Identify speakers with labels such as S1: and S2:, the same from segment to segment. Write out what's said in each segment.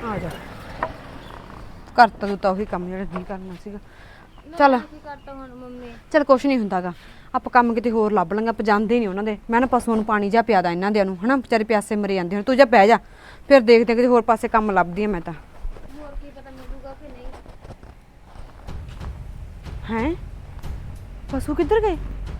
S1: ਆ ਜਾ ਕਰਤਾ ਤੂੰ ਤਾਂ ਉਹੀ ਕੰਮ ਜਿਹੜਾ ਨਹੀਂ ਕਰਨਾ ਸੀਗਾ। ਚੱਲ
S2: ਕੀ ਕਰਤਾ ਹੁਣ ਮੰਮੀ?
S1: ਚੱਲ ਕੁਛ ਨਹੀਂ ਹੁੰਦਾਗਾ, ਆਪਾਂ ਕੰਮ ਕਿਤੇ ਹੋਰ ਲੱਭ ਲਾਂਗੇ। ਆਪਾਂ ਜਾਂਦੇ ਨਹੀਂ ਉਹਨਾਂ ਦੇ। ਮੈਂ ਨਾ ਪਸ਼ੂਆਂ ਨੂੰ ਪਾਣੀ ਜਾ ਪਿਆਦਾ ਇਹਨਾਂ ਦੇ ਨੂੰ ਹਨਾ, ਵਿਚਾਰੇ ਪਿਆਸੇ ਮਰੇ ਜਾਂਦੇ ਹੁਣ। ਤੂੰ ਜਾ ਬਹਿ ਜਾ, ਫਿਰ ਦੇਖਦੇ ਕਿਤੇ ਹੋਰ ਪਾਸੇ ਕੰਮ ਲੱਭਦੀ ਆ ਮੈਂ ਤਾਂ।
S2: ਹੋਰ ਕੀ ਪਤਾ ਮਿਲੂਗਾ ਕਿ ਨਹੀਂ।
S1: ਹੈਂ ਪਸ਼ੂ ਕਿੱਧਰ ਗਏ?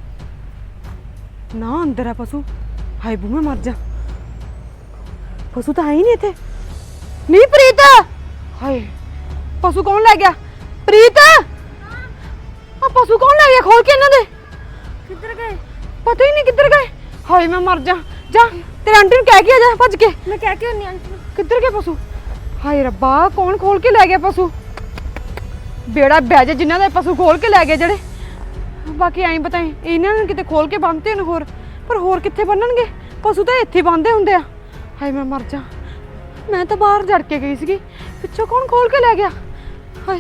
S1: ਨਾ ਅੰਦਰ ਆ ਪਸ਼ੂ। ਹਾਏ ਬੂ ਮੈਂ ਮਰ ਜਾ, ਪਸ਼ੂ ਤਾਂ ਹੈ ਹੀ ਨਹੀਂ ਇੱਥੇ। ਨਹੀਂ ਪ੍ਰੀਤ, ਹਾਏ ਪਸ਼ੂ ਕੌਣ ਲੈ ਗਿਆ? ਪ੍ਰੀਤ ਆ ਪਸ਼ੂ ਕੌਣ ਲੈ ਗਿਆ? ਖੋਲ ਕੇ ਇਹਨਾਂ ਦੇ।
S2: ਕਿੱਧਰ ਗਏ?
S1: ਪਤਾ ਹੀ ਨਹੀਂ ਕਿੱਧਰ ਗਏ। ਹਾਏ ਮੈਂ ਮਰ ਜਾ। ਜਾ ਤੇਰੇ ਆਂਟੀ ਨੂੰ ਕਹਿ ਕੇ ਆ ਜਾ ਭੱਜ ਕੇ।
S2: ਮੈਂ ਕਹਿ ਕੇ ਹੁੰਨੀ ਆਂਟੀ ਨੂੰ।
S1: ਕਿੱਧਰ ਗਏ ਪਸ਼ੂ? ਹਾਏ ਰੱਬਾ ਕੌਣ ਖੋਲ ਕੇ ਲੈ ਗਿਆ ਪਸ਼ੂ? ਬੇੜਾ ਬਹਿ ਜਾ ਜਿਨ੍ਹਾਂ ਦੇ ਪਸ਼ੂ ਖੋਲ ਕੇ ਲੈ ਗਏ ਜਿਹੜੇ। ਬਾਕੀ ਐਂ ਪਤਾ ਇਹਨਾਂ ਨੂੰ ਕਿਤੇ ਖੋਲ ਕੇ ਬੰਨ੍ਹਦੇ ਨੇ ਹੋਰ, ਪਰ ਹੋਰ ਕਿੱਥੇ ਬੰਨਣਗੇ? ਪਸ਼ੂ ਤਾਂ ਇੱਥੇ ਬੰਨ੍ਹਦੇ ਹੁੰਦੇ ਆ। ਹਾਏ ਮੈਂ ਮਰ ਜਾ, ਮੈਂ ਤਾਂ ਬਾਹਰ ਜੜ ਕੇ ਗਈ ਸੀਗੀ, ਪਿੱਛੋਂ ਕੌਣ ਖੋਲ ਕੇ ਲੈ ਗਿਆ? ਹਾਏ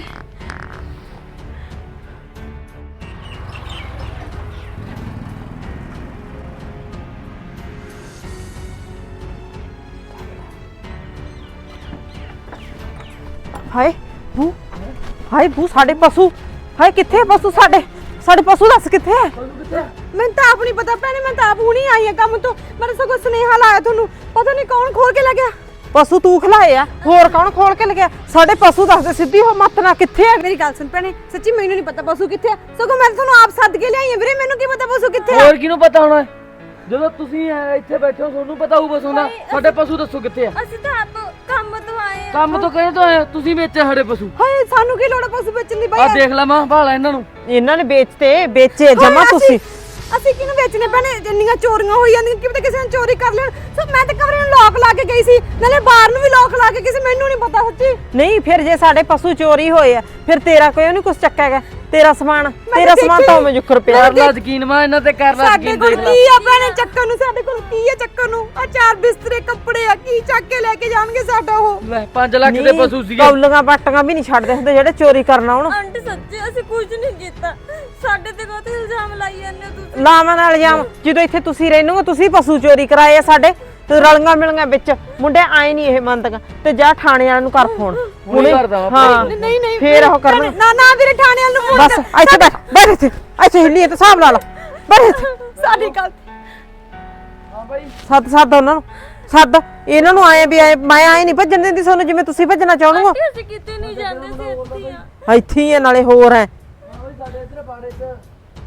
S1: ਹਾਏ ਬੂ, ਹਾਏ ਬੂ ਸਾਡੇ ਪਸ਼ੂ। ਹਾਏ ਕਿੱਥੇ ਆ ਪਸ਼ੂ ਸਾਡੇ? ਸਾਡੇ ਪਸ਼ੂ ਦੱਸ ਕਿੱਥੇ ਆ? ਮੈਨੂੰ ਤਾਂ ਆਪ ਨਹੀਂ ਪਤਾ ਭੈਣੇ, ਮੈਂ ਤਾਂ ਆਪ ਹੁਣੀ ਆਈ ਆ ਕੰਮ ਤੋਂ। ਮੈਂ ਸਗੋਂ ਸੁਨੇਹਾ ਲਾਇਆ ਤੁਹਾਨੂੰ, ਪਤਾ ਨਹੀਂ ਕੌਣ ਖੋਲ ਕੇ ਲੈ ਗਿਆ। ਪਸ਼ੂ ਤੂੰ ਖਲਾਏ ਆ, ਹੋਰ ਕੌਣ ਖੋਲ ਕੇ ਲੈ ਗਿਆ? ਸਾਡੇ ਪਸ਼ੂ ਦੱਸ ਦੇ ਸਿੱਧੀ ਹੋ ਮੱਤ ਨਾ। ਕਿੱਥੇ ਆ? ਮੇਰੀ ਗੱਲ ਸੁਣ ਭੈਣੇ, ਸੱਚੀ ਮੈਨੂੰ ਨਹੀਂ ਪਤਾ ਪਸ਼ੂ ਕਿੱਥੇ ਆ। ਸਗੋਂ ਮੈਂ ਤੁਹਾਨੂੰ ਆਪ ਸੱਦ ਕੇ ਲਿਆਈ ਆ ਵੀਰੇ, ਮੈਨੂੰ ਕੀ ਪਤਾ ਪਸ਼ੂ ਕਿੱਥੇ ਆ।
S3: ਹੋਰ ਕਿਹਨੂੰ ਪਤਾ ਹੋਣਾ? ਜਦੋਂ ਤੁਸੀਂ ਇੱਥੇ ਬੈਠੇ ਹੋ ਤੁਹਾਨੂੰ ਪਤਾ ਹੋਊ ਪਸ਼ੂ ਦਾ। ਸਾਡੇ ਪਸ਼ੂ ਦੱਸੋ ਕਿੱਥੇ ਆ?
S2: ਅਸੀਂ ਤਾਂ ਆਪ ਕੰਮ ਤੋਂ ਆਏ ਆ।
S3: ਕੰਮ ਤੋਂ ਕਹੇ ਤੋਂ ਆਏ ਤੁਸੀਂ ਵੇਚੇ ਸਾਡੇ ਪਸ਼ੂ।
S1: ਹਾਏ ਸਾਨੂੰ ਕੀ ਲੋੜ ਆ ਪਸ਼ੂ ਵੇਚਣ ਦੀ?
S3: ਆ ਦੇਖ ਲੈ ਮਾਂ ਭਾਲਾ ਇਹਨਾਂ ਨੂੰ।
S4: ਇਹਨਾਂ ਨੇ ਵੇਚੇ ਜਮਾ ਤੁਸੀਂ।
S1: ਅਸੀਂ ਕਿਹਨੂੰ ਵੇਚਨੇ ਭੈਣੇ? ਇੰਨੀਆਂ ਚੋਰੀਆਂ ਹੋਈ ਜਾਂਦੀਆਂ, ਕੀ ਪਤਾ ਕਿਸੇ ਨੇ ਚੋਰੀ ਕਰ ਲੈਣ। ਸੋ ਮੈਂ ਤਾਂ ਕਮਰੇ ਨੂੰ ਲੋਕ ਲਾ ਕੇ ਗਈ ਸੀ, ਨਾਲੇ ਬਾਹਰ ਨੂੰ ਵੀ ਲੋਕ ਲਾ ਕੇ ਕਿਸੇ। ਮੈਨੂੰ ਨਹੀਂ ਪਤਾ ਸੱਚੀ।
S4: ਨਹੀਂ ਫਿਰ ਜੇ ਸਾਡੇ ਪਸ਼ੂ ਚੋਰੀ ਹੋਏ ਆ ਫਿਰ ਤੇਰਾ ਕੋਈ ਨਹੀਂ ਕੁਛ ਚੱਕਿਆ ਗਿਆ। ਤੇਰਾ ਸਮਾਨ ਤਾਂ ਮੈਂ ਜੁਕਰ ਪਿਆ।
S3: ਕਰ ਲਾ ਯਕੀਨ ਮਾਂ ਇਹਨਾਂ ਤੇ, ਕਰ ਲਾ
S1: ਸਾਡੇ
S3: ਯਕੀਨ।
S1: ਕੋਲ
S3: ਦੇਖ ਲੈ
S1: ਕੀ ਆ ਭੈਣੇ ਚੱਕਰ ਨੂੰ? ਸਾਡੇ ਕੋਲ ਕੀ ਆ ਚੱਕਰ ਨੂੰ? ਆ ਚਾਰ ਬਿਸਤਰੇ ਕੱਪੜੇ ਆ, ਕੀ ਚੱਕ ਕੇ ਲੈ ਕੇ ਜਾਣਗੇ ਸਾਡਾ ਉਹ?
S3: ਲੈ 5 ਲੱਖ ਦੇ ਪਸ਼ੂ ਸੀਗੇ।
S4: ਕੌਲੀਆਂ ਬਾਟੀਆਂ ਵੀ ਨਹੀਂ ਛੱਡਦੇ ਹੁੰਦੇ ਜਿਹੜੇ ਚੋਰੀ ਕਰਨ ਆਉਣ।
S2: ਆਂਟੀ ਸੱਚੀ ਅਸੀਂ ਕੁਝ ਨਹੀਂ ਕੀਤਾ। ਸਾਡੇ ਤੇ ਕੋਈ ਇਲਜ਼ਾਮ ਲਾਈ ਜਾਂਦੇ ਹੋ ਤੁਸੀਂ।
S4: ਲਾਵਾਂ ਨਾਲ ਜਾਮ ਜਦੋਂ ਇੱਥੇ ਤੁਸੀਂ ਰਹਿੰਦੇ ਹੋ, ਤੁਸੀਂ ਪਸ਼ੂ ਚੋਰੀ ਕਰਾਏ ਆ ਸਾਡੇ ਤੇ ਰਲੀਆਂ ਮਿਲੀਆਂ ਵਿੱਚ ਮੁੰਡੇ ਆਏ ਨਹੀਂ ਇਹ ਮੰਨਦੀਆਂ। ਤੇ ਜਾ ਥਾਣੇ ਵਾਲਿਆਂ ਨੂੰ ਕਰ ਫੋਨ
S3: ਹੁਣੇ ਕਰਦਾ ਵਾਂ।
S4: ਹਾਂ
S1: ਨਹੀਂ
S4: ਫੇਰ ਉਹ ਕਰਨਾ।
S1: ਨਾ ਨਾ ਵੀਰੇ ਥਾਣੇ ਵਾਲ ਨੂੰ ਫੋਨ
S4: ਬਸ ਇੱਥੇ ਬੈਠ ਇੱਥੇ ਹਿੱਲੀ ਤੇ ਹਿਸਾਬ ਲਾ ਲਾ। ਬੈਠ
S1: ਸਾਡੀ ਗੱਲ
S3: ਹਾਂ ਬਾਈ
S4: ਸੱਦ ਉਹਨਾਂ ਨੂੰ ਸੱਦ। ਇਹਨਾਂ ਨੂੰ ਆਏ ਵੀ ਆਏ, ਮੈਂ ਆਏ ਨਹੀਂ ਭੱਜਣ ਦਿੰਦੀ ਤੁਹਾਨੂੰ ਜਿਵੇਂ ਤੁਸੀਂ ਭੱਜਣਾ ਚਾਹੁੰਦੇ ਹੋ।
S2: ਆਂਟੀ ਅਸੀਂ ਕਿਤੇ ਨਹੀਂ ਜਾਂਦੇ ਸੀ, ਇੱਥੇ ਆ।
S4: ਇੱਥੇ ਹੀ ਆ ਨਾਲੇ ਹੋਰ ਹੈ।
S3: ਹਾਂ ਬਾਈ ਸਾਡੇ ਇੱਧਰ ਬਾੜੇ 'ਚ